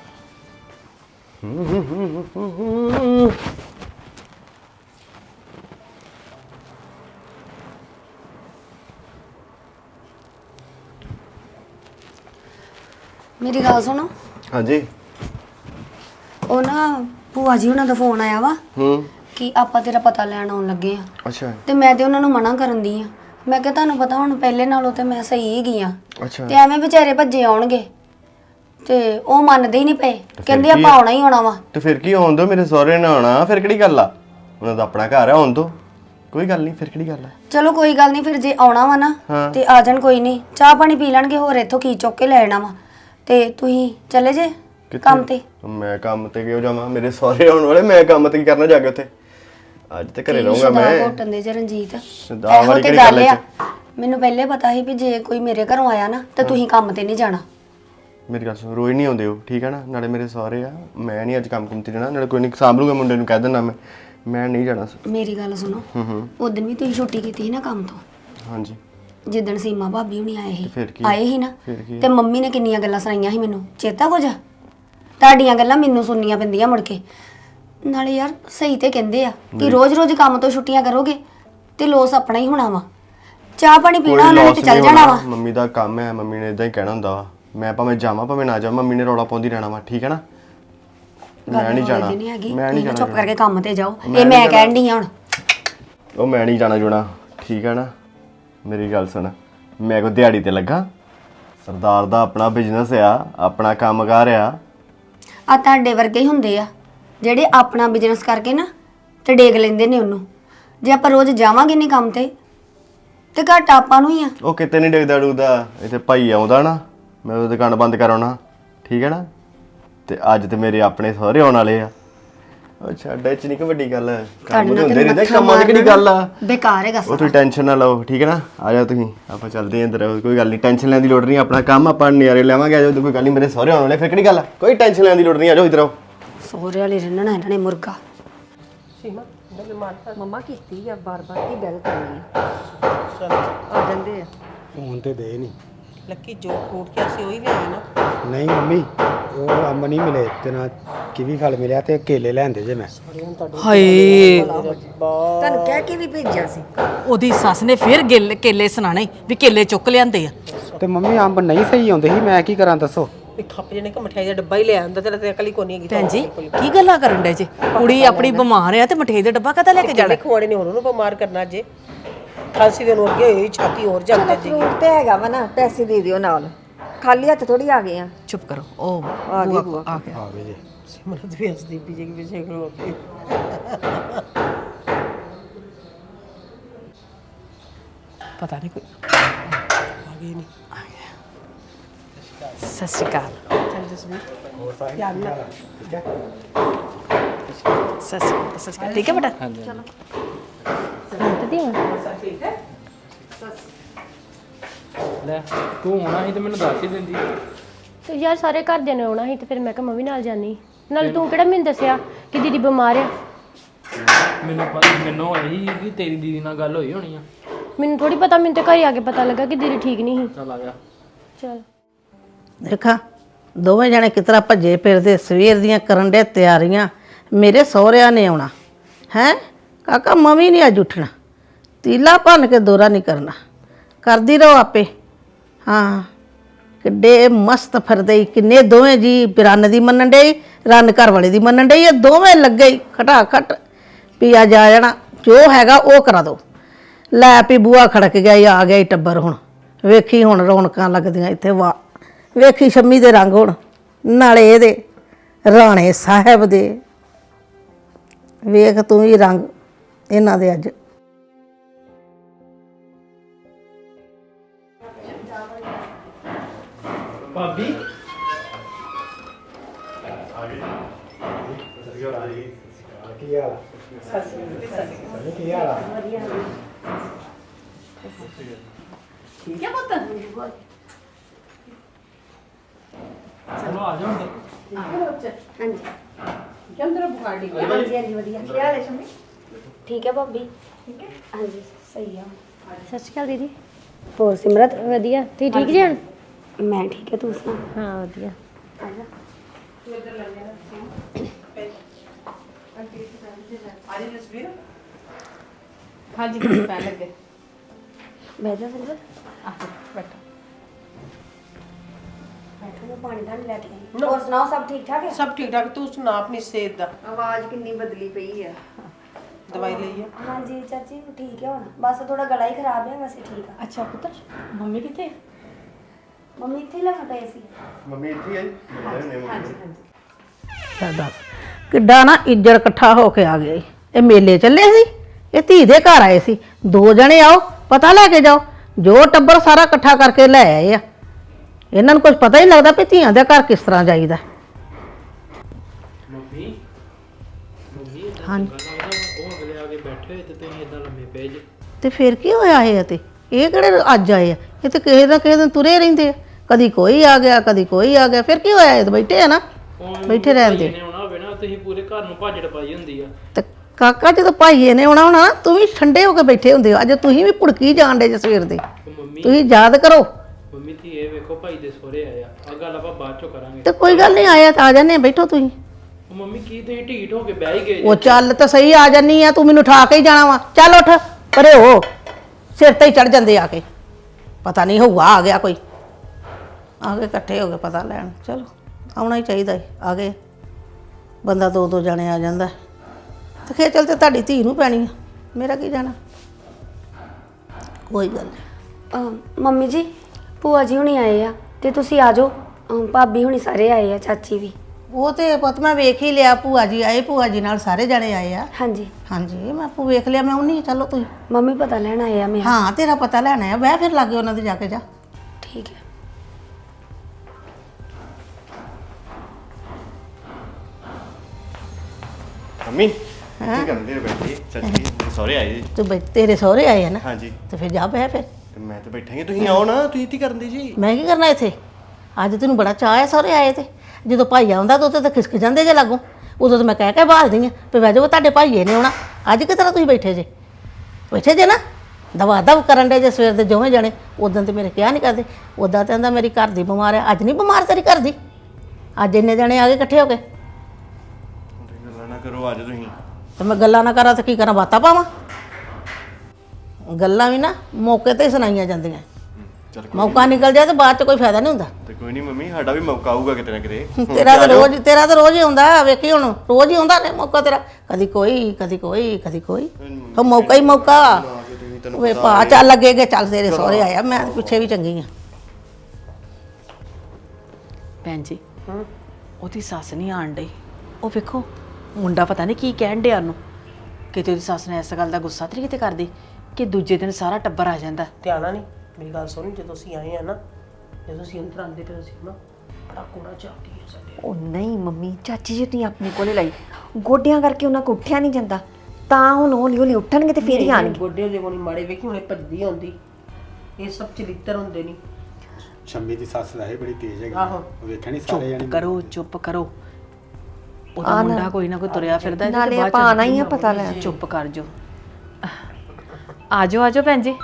D: ਮੇਰੀ ਗੱਲ ਸੁਣੋ।
E: ਹਾਂਜੀ।
D: ਉਹ ਨਾ ਭੂਆ ਜੀ ਉਹਨਾਂ ਦਾ ਫੋਨ ਆਇਆ ਵਾ
E: ਹੂੰ
D: ਕਿ ਆਪਾਂ ਤੇਰਾ ਪਤਾ ਲੈਣ ਆਉਣ ਲੱਗੇ ਆ।
E: ਅੱਛਾ
D: ਤੇ ਮੈਂ ਤੇ ਉਹਨਾਂ ਨੂੰ ਮਨਾ ਕਰਨ ਦੀ ਆ। ਮੈਂ ਕਿਹਾ ਤੁਹਾਨੂੰ ਪਤਾ ਹੁਣ ਪਹਿਲੇ ਨਾਲੋਂ ਤੇ ਮੈਂ ਸਹੀ ਹੈਗੀ ਆ,
E: ਅੱਛਾ
D: ਤੇ ਐਵੇਂ ਵਿਚਾਰੇ ਭੱਜੇ ਆਉਣਗੇ ਤੇ ਉਹ ਮੰਨਦੇ ਹੀ ਨਹੀਂ ਪਏ। ਕਹਿੰਦੇ ਆਪਾਂ ਆਉਣਾ ਹੀ ਆਉਣਾ ਵਾ।
E: ਤੇ ਫਿਰ ਕੀ ਆਉਣ ਦੋ, ਮੇਰੇ ਸਹੁਰੇ ਨੇ ਆਉਣਾ, ਫਿਰ ਕਿਹੜੀ ਗੱਲ ਆ? ਉਹਨਾਂ ਦਾ ਆਪਣਾ ਘਰ ਆ, ਆਉਣ ਦੋ, ਕੋਈ ਗੱਲ ਨਹੀਂ। ਫਿਰ ਕਿਹੜੀ ਗੱਲ ਆ?
D: ਚਲੋ ਕੋਈ ਗੱਲ ਨਹੀਂ, ਫਿਰ ਜੇ ਆਉਣਾ ਵਾ ਨਾ
E: ਹਾਂ।
D: ਤੇ ਆ ਜਾਣ, ਕੋਈ ਨਹੀਂ। ਚਾਹ ਪਾਣੀ ਪੀ ਲੈਣਗੇ, ਹੋਰ ਇੱਥੋਂ ਕੀ ਚੁੱਕ ਕੇ ਲੈ ਜਾਣਾ ਵਾ। ਤੇ ਤੁਸੀਂ ਚਲੇ ਜੇ ਕੰਮ ਤੇ?
E: ਮੈਂ ਕੰਮ ਤੇ ਕਿਉਂ ਜਾਵਾਂ? ਮੇਰੇ ਸਹੁਰੇ ਆਉਣ ਵਾਲੇ, ਮੈਂ ਕੰਮ ਤੇ ਕੀ ਕਰਨਾ ਜਾ ਕੇ ਉੱਥੇ? ਅੱਜ ਤੇ ਘਰੇ ਰਹੂੰਗਾ ਮੈਂ।
D: ਘੋਟਣ ਦੇ ਰਣਜੀਤ,
E: ਸ਼ਦਾ
D: ਇਹੋ
E: ਵਾਲੀ
D: ਤੇ
E: ਕਿਹੜੀ
D: ਗੱਲ
E: ਗੱਲ
D: ਆ।
E: ਹੈ?
D: ਮੈਨੂੰ ਪਹਿਲੇ ਪਤਾ ਸੀ ਵੀ ਜੇ ਕੋਈ ਮੇਰੇ ਘਰੋਂ ਆਇਆ ਨਾ ਤੇ ਤੁਸੀਂ ਕੰਮ ਤੇ ਨਹੀਂ ਜਾਣਾ।
E: ਮੇਰੀ ਗੱਲ ਸੁਣ, ਰੋਜ਼ ਨਹੀਂ ਆਉਂਦੇ ਹੋ, ਠੀਕ ਹੈ ਨਾ? ਨਾਲੇ ਮੇਰੇ ਸਹੁਰੇ ਆ, ਮੈਂ ਨਹੀਂ ਅੱਜ ਕੰਮ ਕੰਮ ਤੇ ਜਾਣਾ। ਨਾਲੇ ਕੋਈ ਨਹੀਂ, ਸਾਂਭ ਲੂੰਗਾ ਮੁੰਡੇ ਨੂੰ, ਕਹਿ ਦਿੰਦਾ ਮੈਂ ਮੈਂ ਨਹੀਂ ਜਾਣਾ।
D: ਮੇਰੀ ਗੱਲ ਸੁਣੋ,
E: ਹੂੰ ਹੂੰ
D: ਉਸ ਦਿਨ ਵੀ ਤੁਸੀਂ ਛੁੱਟੀ ਕੀਤੀ ਸੀ ਨਾ ਕੰਮ ਤੋਂ,
E: ਹਾਂਜੀ
D: ਜਿੱਦਣ ਸੀਮਾ ਭਾਬੀ ਹੁਣੀ ਆਏ ਸੀ
E: ਫਿਰ ਕੀ?
D: ਆਏ ਸੀ ਨਾ
E: ਫਿਰ ਕੀ?
D: ਤੇ ਮੰਮੀ ਨੇ ਕਿੰਨੀਆਂ ਗੱਲਾਂ ਸੁਣਾਈਆਂ ਸੀ ਮੈਨੂੰ ਚੇਤਾ ਕੁਝ ਆ? ਤੁਹਾਡੀਆਂ ਗੱਲਾਂ ਮੈਨੂੰ ਸੁਣਨੀਆਂ ਪੈਂਦੀਆਂ ਮੁੜ ਕੇ। ਨਾਲੇ ਯਾਰ ਸਹੀ ਤੇ ਕਹਿੰਦੇ ਆ ਕਿ ਰੋਜ਼-ਰੋਜ਼ ਕੰਮ ਤੋਂ ਛੁੱਟੀਆਂ ਕਰੋਗੇ ਤੇ ਲੋਸ ਆਪਣਾ ਹੀ ਹੋਣਾ ਵਾ। ਚਾਹ ਪਾਣੀ ਪੀਣਾ ਉਹਨਾਂ ਨੇ ਤੇ ਚੱਲ ਜਾਣਾ ਵਾ।
E: ਮੰਮੀ ਦਾ ਕੰਮ ਹੈ, ਮੰਮੀ ਨੇ ਇਦਾਂ ਹੀ ਕਹਿਣਾ ਹੁੰਦਾ ਵਾ। ਮੈਂ ਭਾਵੇਂ ਜਾਵਾਂ ਭਾਵੇਂ ਨਾ ਜਾਵਾਂ, ਮੰਮੀ ਨੇ ਰੌਲਾ ਪਾਉਂਦੀ ਰਹਿਣਾ ਵਾ, ਠੀਕ ਹੈ ਨਾ? ਮੈਂ ਨਹੀਂ ਜਾਣਾ,
D: ਨਹੀਂ ਹੈਗੀ
E: ਮੈਂ ਨਹੀਂ
D: ਤੁਸੀਂ ਨਾ
E: ਜਾਣਾ
D: ਚੁੱਪ ਕਰਕੇ ਕੰਮ ਤੇ ਜਾਓ।
E: ਮੈਂ
D: ਇਹ
E: ਨਹੀਂ
D: ਮੈਂ ਕਹਿਣ ਡਈ ਆ ਹੁਣ।
E: ਉਹ ਮੈਂ ਨਹੀਂ ਜਾਣਾ ਜੁਣਾ, ਠੀਕ ਹੈ ਨਾ? ਮੇਰੀ ਗੱਲ ਸੁਣ, ਮੈਂ ਕੋਈ ਦਿਹਾੜੀ ਤੇ ਲੱਗਾ? ਸਰਦਾਰ ਦਾ ਆਪਣਾ ਬਿਜ਼ਨਸ ਆ, ਆਪਣਾ ਕੰਮਕਾਰ ਆ।
D: ਆ ਤੁਹਾਡੇ ਵਰਗੇ ਹੀ ਹੁੰਦੇ ਆ ਜਿਹੜੇ ਆਪਣਾ ਬਿਜ਼ਨਸ ਕਰਕੇ ਨਾ ਤੇ ਡੇਗ ਲੈਂਦੇ ਨੇ ਉਹਨੂੰ। ਜੇ ਆਪਾਂ ਰੋਜ਼ ਜਾਵਾਂਗੇ ਨਹੀਂ ਕੰਮ ਤੇ ਤੇ ਘਾਟਾ ਆਪਾਂ ਨੂੰ ਹੀ ਆ।
E: ਉਹ ਕਿਤੇ ਨਹੀਂ ਡਿੱਗਦਾ ਡੁੱਗਦਾ, ਇੱਥੇ ਭਾਈ ਆਉਂਦਾ ਨਾ, ਮੈਂ ਉਹ ਦੁਕਾਨ ਬੰਦ ਕਰਾਉਣਾ, ਠੀਕ ਹੈ ਨਾ? ਤੇ ਅੱਜ ਤੇ ਮੇਰੇ ਆਪਣੇ ਸਹੁਰੇ ਆਉਣ ਵਾਲੇ ਆ। ਉਹ ਛੱਡ, ਇਹ ਚ ਨਹੀਂ ਕੋਈ ਵੱਡੀ ਗੱਲ, ਕੰਮ ਤੇ ਹੁੰਦੇ ਰਹਿੰਦੇ, ਕੰਮਾਂ ਦੀ ਕਿਹੜੀ ਗੱਲ ਆ?
D: ਬੇਕਾਰ ਹੈਗਾ
E: ਉਹ
D: ਸਾਰਾ।
E: ਤੁਸੀਂ ਟੈਨਸ਼ਨ ਨਾ ਲਓ, ਠੀਕ ਹੈ ਨਾ? ਆ ਜਾਓ ਤੁਸੀਂ, ਆਪਾਂ ਚੱਲਦੇ ਆਂ ਅੰਦਰ, ਕੋਈ ਗੱਲ ਨਹੀਂ, ਟੈਨਸ਼ਨ ਲੈਣ ਦੀ ਲੋੜ ਨਹੀਂ, ਆਪਣਾ ਕੰਮ ਆਪਾਂ ਨਿਆਰੇ ਲੈਵਾਂਗੇ। ਆ ਜਾਓ, ਕੋਈ ਗੱਲ ਨਹੀਂ, ਮੇਰੇ ਸਹੁਰੇ ਆਉਣ ਵਾਲੇ, ਫਿਰ ਕਿਹੜੀ ਗੱਲ ਆ? ਕੋਈ ਟੈਨਸ਼ਨ ਲੈਣ ਦੀ ਲੋੜ ਨਹੀਂ, ਆ ਜਾਓ ਇੱਧਰ ਆਓ।
D: ਸੋਹਰੇ ਵਾਲੇ ਰਹਿਣਾ ਇਹਨਾਂ ਨੇ ਮੁਰਗਾ।
B: ਮੰਮਾ ਕੀਤੀ ਆ ਬਾਰ-ਬਾਰ ਕੀ ਬੈਲ ਕਰਨੀ ਆ? ਚਲ ਆ ਜਾਂਦੇ ਆ।
F: ਫੋਨ ਤੇ ਦੇ ਨਹੀਂ।
G: ਲੱਕੀ ਜੋ ਫਰੂਟ ਕਿਹਾ ਸੀ ਉਹੀ ਲਿਆਇਆ ਨਾ।
F: ਨਹੀਂ ਮੰਮੀ, ਉਹ ਅੰਬ ਨਹੀਂ ਮਿਲੇ ਤੇ ਨਾ ਕਿਵੀ ਫਲ ਮਿਲਿਆ ਤੇ ਕੇਲੇ ਲੈਂਦੇ ਜੇ ਮੈਂ।
C: ਹਾਏ
B: ਤੁਹਾਨੂੰ ਕਹਿ ਕੇ ਵੀ ਭੇਜਿਆ ਸੀ।
C: ਉਹਦੀ ਸੱਸ ਨੇ ਫਿਰ ਗਿੱਲ ਕੇਲੇ ਸੁਣਾਣੇ ਵੀ ਕੇਲੇ ਚੁੱਕ ਲਿਆਂਦੇ ਆ।
F: ਤੇ ਮੰਮੀ ਅੰਬ ਨਹੀਂ ਸਹੀ ਆਉਂਦੇ ਸੀ, ਮੈਂ ਕੀ ਕਰਾਂ ਦੱਸੋ?
G: ਵੀ ਖੱਪ ਜਣੇ ਕਿ ਮਠਿਆਈ ਦਾ ਡੱਬਾ ਹੀ ਲੈ ਆਂਦਾ, ਤੇਰਾ ਤੇ ਅਕਲ ਹੀ ਕੋਈ ਨਹੀਂ ਹੈਗੀ।
C: ਭੈਣ ਜੀ ਕੀ ਗੱਲਾਂ ਕਰਨ ਡੇ ਜੇ? ਕੁੜੀ ਆਪਣੀ ਬਿਮਾਰ ਆ ਤੇ ਮਠਿਆਈ ਦਾ ਡੱਬਾ ਕਦਾ ਲੈ ਕੇ ਜਾਣਾ?
G: ਖਵਾੜੇ ਨੇ ਉਹਨੂੰ ਬਿਮਾਰ ਕਰਨਾ ਜੇ। ਖਾਂਸੀ ਦੇ ਨੂੰ ਅੱਗੇ ਹੋਈ ਛਾਤੀ ਹੋਰ ਜਾਂਦੇ ਜੀ।
B: ਫਰੂਟ ਤੇ ਹੈਗਾ ਵਾ ਨਾ, ਪੈਸੇ ਦੇ ਦਿਓ ਨਾਲ। ਖਾਲੀ ਹੱਥ ਥੋੜੀ ਆ ਗਏ ਆ।
C: ਚੁੱਪ ਕਰੋ, ਉਹ
B: ਆ ਗਈ
C: ਬੂਆ
B: ਬੂਆ।
C: ਆ ਗਿਆ।
F: ਆ ਗਏ ਜੇ।
G: ਸਿਮਰਤ ਵੀ ਹੱਸਦੀ ਪਈ ਜੇ ਕਿ ਪਿੱਛੇ ਖਲੋ ਕੇ। ਪਤਾ ਨਹੀਂ ਕੋਈ ਆ ਗਈ ਨਹੀਂ।
C: ਸਤਿ ਸ਼੍ਰੀ ਅਕਾਲ।
G: ਚੱਲ ਜਸਮੀਤ ਧਿਆਨ ਨਾਲ।
C: ਸਤਿ ਸ਼੍ਰੀ ਅਕਾਲ, ਸਤਿ ਸ਼੍ਰੀ ਅਕਾਲ। ਠੀਕ ਹੈ ਬੇਟਾ?
H: ਲੈ ਤੂੰ ਹੋਣਾ ਸੀ ਤੇ ਮੈਨੂੰ ਦੱਸ ਹੀ ਦਿੰਦੀ।
A: ਤੇ ਯਾਰ ਸਾਰੇ ਘਰਦਿਆਂ ਨੇ ਆਉਣਾ ਸੀ ਤੇ ਫਿਰ ਮੈਂ ਕਿਹਾ ਮੰਮੀ ਨਾਲ ਜਾਨੀ। ਨਾਲ ਤੂੰ ਕਿਹੜਾ ਮੈਨੂੰ ਦੱਸਿਆ ਕਿ ਦੀਦੀ ਬਿਮਾਰ ਆ?
H: ਮੈਨੂੰ ਪਤਾ, ਮੈਨੂੰ ਹੋਈ ਸੀ ਕਿ ਤੇਰੀ ਦੀਦੀ ਨਾਲ ਗੱਲ ਹੋਈ ਹੋਣੀ ਆ।
A: ਮੈਨੂੰ ਥੋੜੀ ਪਤਾ, ਮੈਨੂੰ ਤੇ ਘਰੇ ਆ ਕੇ ਪਤਾ ਲੱਗਾ ਕਿ ਦੀਦੀ ਠੀਕ ਨਹੀਂ ਸੀ।
H: ਚੱਲ ਆ ਗਿਆ।
A: ਚਲ
I: ਦੇਖਾਂ ਦੋਵੇਂ ਜਣੇ ਕਿਸ ਤਰ੍ਹਾਂ ਭੱਜੇ ਫਿਰਦੇ, ਸਵੇਰ ਦੀਆਂ ਕਰਨ ਦੇ ਤਿਆਰੀਆਂ। ਮੇਰੇ ਸਹੁਰਿਆਂ ਨੇ ਆਉਣਾ ਹੈ, ਕਾਕਾ ਮੰਮੀ ਨਹੀਂ ਅੱਜ ਉੱਠਣਾ, ਤੀਲਾ ਭੰਨ ਕੇ ਦੋਰਾ ਨਹੀਂ ਕਰਨਾ, ਕਰਦੀ ਰਹੋ ਆਪੇ। ਹਾਂ ਕਿੱਡੇ ਮਸਤ ਫਿਰਦੇ ਈ, ਕਿੰਨੇ ਦੋਵੇਂ ਜੀ ਰੰਨ ਦੀ ਮੰਨਣ ਡਈ, ਰੰਨ ਘਰ ਵਾਲੇ ਦੀ ਮੰਨਣ ਡਈ, ਇਹ ਦੋਵੇਂ ਲੱਗੇ ਈ ਖਟਾ ਖਟ ਵੀ ਅੱਜ ਆ ਜਾਣਾ, ਜੋ ਹੈਗਾ ਉਹ ਕਰਾ ਦੋ। ਲੈ ਵੀ ਬੂਆ ਖੜਕ ਗਿਆ ਈ, ਆ ਗਿਆ ਈ ਟੱਬਰ। ਹੁਣ ਵੇਖੀ ਹੁਣ ਰੌਣਕਾਂ ਲੱਗਦੀਆਂ ਇੱਥੇ, ਵਾਹ ਵੇਖੀ ਸ਼ੰਮੀ ਦੇ ਰੰਗ ਹੁਣ, ਨਾਲੇ ਇਹਦੇ ਰਾਣੇ ਸਾਹਿਬ ਦੇ, ਵੇਖ ਤੂੰ ਵੀ ਰੰਗ ਇਹਨਾਂ ਦੇ ਅੱਜ।
H: ਭਾਬੀ
F: ਕੀ ਹਾਲ ਆ? ਸਤਿ ਕੀ ਹਾਲ ਆ?
C: ਠੀਕ ਹੈ ਪੁੱਤ?
H: ਚਲੋ ਆ ਜਾਓ ਅੰਦਰ।
D: ਠੀਕ ਹੈ ਭਾਬੀ? ਠੀਕ ਹੈ ਹਾਂਜੀ ਸਹੀ ਆ।
A: ਸਤਿ ਸ਼੍ਰੀ ਅਕਾਲ ਦੀਦੀ।
D: ਹੋਰ ਸਿਮਰਤ?
A: ਵਧੀਆ, ਤੁਸੀਂ ਠੀਕ ਜੀ?
D: ਮੈਂ ਠੀਕ ਹੈ, ਤੂੰ ਸੁਣਾ?
A: ਹਾਂ ਵਧੀਆ।
G: ਆਜੀ ਜਸਵੀਰ
C: ਹਾਂਜੀ ਤੁਸੀਂ ਪੈ ਲੱਗੇ।
D: ਬਹਿ ਜਾ ਸਿਮਰਤ।
C: ਆਹ ਬੈਠੋ।
D: ਬੈਠੋ, ਮੈਂ ਪਾਣੀ ਤਾਂ ਲੈ ਕੇ ਆਈ। ਹੋਰ ਸੁਣਾਓ, ਸਭ ਠੀਕ ਠਾਕ ਹੈ?
G: ਸਭ ਠੀਕ ਠਾਕ। ਤੂੰ ਸੁਣਾ ਆਪਣੀ ਸਿਹਤ ਦਾ।
B: ਆਵਾਜ਼ ਕਿੰਨੀ ਬਦਲੀ ਪਈ ਆ।
G: ਦਵਾਈ ਲਈ ਆ?
D: ਹਾਂਜੀ ਚਾਚੀ ਠੀਕ ਹੈ ਹੁਣ, ਬਸ ਥੋੜਾ ਗਲਾ ਹੀ ਖਰਾਬ ਹੈ, ਵੈਸੇ ਠੀਕ ਆ।
C: ਅੱਛਾ ਪੁੱਤਰ, ਮੰਮੀ ਕਿੱਥੇ?
D: ਮੰਮੀ ਇੱਥੇ ਹੀ ਲੱਗ ਪਏ ਸੀ।
E: ਮੰਮੀ ਇੱਥੇ ਆਈ?
I: ਲੈ ਦੱਸ ਕਿੱਡਾ ਨਾ ਇੱਜੜ ਇਕੱਠਾ ਹੋ ਕੇ ਆ ਗਏ ਈ। ਇਹ ਮੇਲੇ ਚੱਲੇ ਸੀ, ਇਹ ਧੀ ਦੇ ਘਰ ਆਏ ਸੀ। ਦੋ ਜਣੇ ਆਓ, ਪਤਾ ਲੈ ਕੇ ਜਾਓ। ਜੋ ਟੱਬਰ ਸਾਰਾ ਇਕੱਠਾ ਕਰਕੇ ਲੈ ਆਏ ਆ, ਇਹਨਾਂ ਨੂੰ ਕੁਝ ਪਤਾ ਹੀ ਲੱਗਦਾ ਵੀ ਧੀਆਂ ਦੇ ਘਰ ਕਿਸ ਤਰ੍ਹਾਂ ਜਾਈਦਾ।
H: ਮੰਮੀ ਮੰਮੀ ਇਦਾਂ
I: ਹਾਂਜੀ।
H: ਉਹ ਅਗਲੇ ਆ ਕੇ ਬੈਠੇ ਹੋਏ ਤੇ ਤੁਸੀਂ ਇਦਾਂ ਲੰਮੇ ਪਏ ਜੇ।
I: ਤੇ ਫਿਰ ਕੀ ਹੋਇਆ ਇਹ ਤੇ ਇਹ ਕਿਹੜੇ ਅੱਜ ਆਏ ਆ? ਇਹ ਤੇ ਕਿਸੇ ਨਾ ਕਿਸੇ ਦਿਨ ਤੁਰੇ ਰਹਿੰਦੇ ਆ, ਕਦੀ ਕੋਈ ਆ ਗਿਆ ਕਦੀ ਕੋਈ ਆ ਗਿਆ। ਫਿਰ ਕੀ ਹੋਇਆ? ਇਹ ਤਾਂ ਬੈਠੇ ਆ ਨਾ,
H: ਉਹ
I: ਬੈਠੇ ਰਹਿੰਦੇ।
H: ਨੇ ਆਉਣਾ ਹੋਵੇ ਨਾ, ਤੁਸੀਂ ਪੂਰੇ ਘਰ ਨੂੰ ਭਾਜੜ ਪਾਈ ਹੁੰਦੀ ਆ।
I: ਤੇ ਕਾਕਾ ਜਦੋਂ ਭਾਈਏ ਨੇ ਆਉਣਾ ਹੋਣਾ ਤੂੰ ਵੀ ਠੰਡੇ ਹੋ ਕੇ ਬੈਠੇ ਹੁੰਦੇ ਹੋ ਅੱਜ ਤੁਸੀਂ ਵੀ ਭੁੜਕੀ ਜਾਣ ਡੇ ਜੇ ਸਵੇਰ ਦੇ
H: ਉਹ ਮੰਮੀ
I: ਤੁਸੀਂ ਯਾਦ ਕਰੋ
H: ਮੰਮੀ ਧੀ ਇਹ ਵੇਖੋ ਭਾਈ ਦੇ ਸਹੁਰੇ ਆਏ ਆ ਆ ਗੱਲ ਆਪਾਂ ਬਾਅਦ ਚੋਂ ਕਰਾਂਗੇ।
I: ਤੇ ਕੋਈ ਗੱਲ ਨਹੀਂ ਆਇਆ ਤਾਂ ਆ ਜਾਂਦੇ ਆ, ਬੈਠੋ ਤੁਸੀਂ
H: ਉਹ ਮੰਮੀ ਕੀ ਤੁਸੀਂ ਢੀਠ ਹੋ ਕੇ ਬਹਿ ਹੀ ਗਏ
I: ਉਹ ਚੱਲ ਤਾਂ ਸਹੀ ਆ ਜਾਨੀ ਆ ਤੂੰ ਮੈਨੂੰ ਉਠਾ ਕੇ ਹੀ ਜਾਣਾ ਵਾ ਚੱਲ ਉੱਠ ਪਰੇ ਹੋ ਸਿਰ ਤੇ ਹੀ ਚੜ ਜਾਂਦੇ ਆ ਕੇ ਪਤਾ ਨਹੀਂ ਹੋਊਗਾ ਆ ਗਿਆ ਕੋਈ ਆ ਗਏ ਇਕੱਠੇ ਹੋ ਗਏ ਪਤਾ ਲੈਣ ਚਲੋ ਆਉਣਾ ਹੀ ਚਾਹੀਦਾ ਹੈ ਆ ਗਏ ਬੰਦਾ ਦੋ ਦੋ ਜਾਣੇ ਆ ਜਾਂਦਾ ਤੇ ਖੇਚਲ ਤੇ ਤੁਹਾਡੀ ਧੀ ਨੂੰ ਪੈਣੀ ਆ ਮੇਰਾ ਕੀ ਜਾਣਾ ਕੋਈ ਗੱਲ ਨਹੀਂ
D: ਅਹ ਮੰਮੀ ਜੀ ਭੂਆ ਜੀ ਹੁਣੀ ਆਏ ਆ ਤੇ ਤੁਸੀਂ ਆ ਜਾਓ ਅਹ ਭਾਬੀ ਹੁਣੀ ਸਾਰੇ ਆਏ ਆ ਚਾਚੀ ਵੀ
I: ਉਹ ਤੇ ਪੁੱਤ ਮੈਂ ਵੇਖ ਹੀ ਲਿਆ ਭੂਆ ਜੀ ਆਏ ਭੂਆ ਜੀ ਨਾਲ ਸਾਰੇ ਜਾਣੇ ਆਏ ਆ
D: ਹਾਂਜੀ
I: ਹਾਂਜੀ ਮੈਂ ਆਪੂ ਵੇਖ ਲਿਆ ਮੈਂ ਉਹਨੀ ਚਲੋ ਤੁਸੀਂ
D: ਮੰਮੀ ਪਤਾ ਲੈਣ ਆਏ ਆ ਮੇਰਾ
I: ਹਾਂ ਤੇਰਾ ਪਤਾ ਲੈਣਾ ਆ ਬਹਿ ਫਿਰ ਲਾਗੇ ਉਹਨਾਂ ਦੇ ਜਾ ਕੇ ਜਾ
D: ਠੀਕ ਹੈ
E: ਮੰਮੀ ਕੀ ਕਰਦੇ ਹੋ ਬੈਠੀ ਸੱਚੀ ਮੇਰੇ ਸਹੁਰੇ ਆਏ ਜੀ।
I: ਤੂੰ ਬੈ- ਤੇਰੇ ਸਹੁਰੇ ਆਏ ਆ ਨਾ
E: ਹਾਂਜੀ
I: ਤੇ ਫਿਰ ਜਾ ਬਹਿ ਫਿਰ
E: ਤੇ ਮੈਂ ਤਾਂ ਬੈਠਾ ਹੀ ਤੁਸੀਂ ਆਓ ਨਾ ਤੁਸੀਂ ਕੀ ਕਰਦੇ ਜੀ।
I: ਮੈਂ ਕੀ ਕਰਨਾ ਇੱਥੇ ਅੱਜ ਤੈਨੂੰ ਬੜਾ ਚਾਅ ਆ ਸਹੁਰੇ ਆਏ ਤੇ ਜਦੋਂ ਭਾਈ ਆਉਂਦਾ ਤਾਂ ਉੱਥੇ ਤਾਂ ਖਿਸਕ ਜਾਂਦੇ ਜੇ ਲਾਗੋਂ ਉਦੋਂ ਤਾਂ ਮੈਂ ਕਹਿ ਕੇ ਭਾਲਦੀ ਆ ਵੀ ਬਹਿ ਜਾਓ ਤੁਹਾਡੇ ਭਾਈਏ ਨੇ ਆਉਣਾ ਅੱਜ ਕਿਸ ਤਰ੍ਹਾਂ ਤੁਸੀਂ ਬੈਠੇ ਜੇ ਬੈਠੇ ਜੇ ਨਾ ਦਵਾ ਦਵ ਕਰਨ ਦੇ ਜੇ ਸਵੇਰ ਦੇ ਦੋਵੇਂ ਜਾਣੇ ਉਦੋਂ ਤੇ ਮੇਰੇ ਕਿਹਾ ਨਹੀਂ ਕਰਦੇ ਉਦਾਂ ਤੇ ਕਹਿੰਦਾ ਮੇਰੀ ਘਰ ਦੀ ਬਿਮਾਰ ਹੈ ਅੱਜ ਨਹੀਂ ਬਿਮਾਰ ਤੇਰੀ ਘਰ ਦੀ ਅੱਜ ਇੰਨੇ ਜਾਣੇ ਆ ਗਏ ਇਕੱਠੇ ਹੋ ਕੇ
E: ਤੁਸੀਂ ਗੱਲਾਂ ਨਾ ਕਰੋ ਅੱਜ ਤੁਸੀਂ
I: ਤੇ ਮੈਂ ਗੱਲਾਂ ਨਾ ਕਰਾਂ ਤਾਂ ਕੀ ਕਰਾਂ ਬਾਤਾਂ ਪਾਵਾਂ ਗੱਲਾਂ ਵੀ ਨਾ ਮੌਕੇ ਤੇ ਹੀ ਸੁਣਾਈਆਂ ਜਾਂਦੀਆਂ
E: ਚਲ
I: ਮੌਕਾ ਨਿਕਲ ਜਾਏ ਤਾਂ ਬਾਅਦ ਚ ਕੋਈ ਫਾਇਦਾ ਨਹੀਂ ਹੁੰਦਾ
E: ਤੇ ਕੋਈ ਨਹੀਂ ਮੰਮੀ ਸਾਡਾ ਵੀ ਮੌਕਾ ਆਊਗਾ ਕਿਤੇ ਨਾ ਕਿਤੇ
I: ਤੇਰਾ ਤਾਂ ਰੋਜ਼ ਤੇਰਾ ਤਾਂ ਰੋਜ਼ ਹੀ ਹੁੰਦਾ ਵੇਖੀ ਹੁਣ ਰੋਜ਼ ਹੀ ਹੁੰਦਾ ਨੇ ਮੌਕਾ ਤੇਰਾ ਕਦੀ ਕੋਈ ਕਦੀ ਕੋਈ ਕਦੀ ਕੋਈ ਉਹ ਮੌਕਾ ਹੀ ਮੌਕਾ ਵੇ ਭਾ ਚੱਲ ਲੱਗੇਗੇ ਚੱਲ ਤੇਰੇ ਸਹੁਰੇ ਆਇਆ ਮੈਂ ਤਾਂ ਪਿੱਛੇ ਵੀ ਚੰਗੀ ਆ
C: ਭੈਣ ਜੀ ਉਹਦੀ ਸੱਸ ਨਹੀਂ ਆਣ ਡਈ ਉਹ ਵੇਖੋ ਮੁੰਡਾ ਪਤਾ ਨਹੀਂ ਕੀ ਕਹਿਣ ਡਿਆ ਉਹਨੂੰ ਕਿਤੇ ਉਹਦੀ ਸੱਸ ਨੇ ਇਸ ਗੱਲ ਦਾ ਗੁੱਸਾ ਤੇ ਕਿਤੇ ਕਰਦੀ ਕਿ ਦੂਜੇ ਦਿਨ ਸਾਰਾ ਟੱਬਰ ਆ ਜਾਂਦਾ
G: ਧਿਆਨਾ ਨਹੀਂ ਮੇਰੀ ਗੱਲ ਸੁਣ ਜਦੋਂ ਅਸੀਂ ਆਏ ਆ ਨਾ ਜਦੋਂ ਅਸੀਂ ਅੰਦਰ ਆਂਦੇ ਪਏ ਸੀ ਨਾ ਬੜਾ ਕੋੜਾ ਚਾਹਤੀ ਹੈ ਸਾਡੇ
B: ਉਹ ਨਹੀਂ ਮੰਮੀ ਚਾਚੀ ਜੀ ਤੁਸੀਂ ਆਪਣੇ ਕੋਲੇ ਲਈ ਗੋਡਿਆਂ ਕਰਕੇ ਉਹਨਾਂ ਕੋ ਉੱਠਿਆ ਨਹੀਂ ਜਾਂਦਾ ਤਾਂ ਹੁਣ ਹੌਲੀ ਹੌਲੀ ਉੱਠਣਗੇ ਤੇ ਫੇਰ ਹੀ ਆਣਗੇ
G: ਗੋਡੇ ਦੇ ਕੋਣੀ ਮਾੜੇ ਵੇਖੀ ਹੁਣੇ ਭੱਜਦੀ ਆਉਂਦੀ ਇਹ ਸਭ ਚਰਿੱਤਰ ਹੁੰਦੇ ਨਹੀਂ
F: ਸ਼ੰਮੀ ਦੀ ਸੱਸ ਦਾ ਇਹ ਬੜੀ ਤੇਜ਼ ਹੈਗੀ
G: ਆਹੋ।
F: ਉਹ ਵੇਖਿਆ ਨਹੀਂ ਸਾਰੇ ਜਾਣੇ
C: ਕਰੋ ਚੁੱਪ ਕਰੋ ਉਹਦਾ ਮੁੰਡਾ ਕੋਈ ਨਾ ਕੋਈ ਤੁਰਿਆ ਫਿਰਦਾ ਇਹਦੇ
B: ਨਾਲੇ
C: ਤੇ ਬਾਅਦ
B: ਆਪਾਂ ਆਣਾ ਹੀ ਆ
C: ਚ
B: ਪਤਾ ਲੈਣ
C: ਚੁੱਪ ਕਰ ਜੋ ਆਜੋ ਆਜੋ ਭੈਣ ਜੀ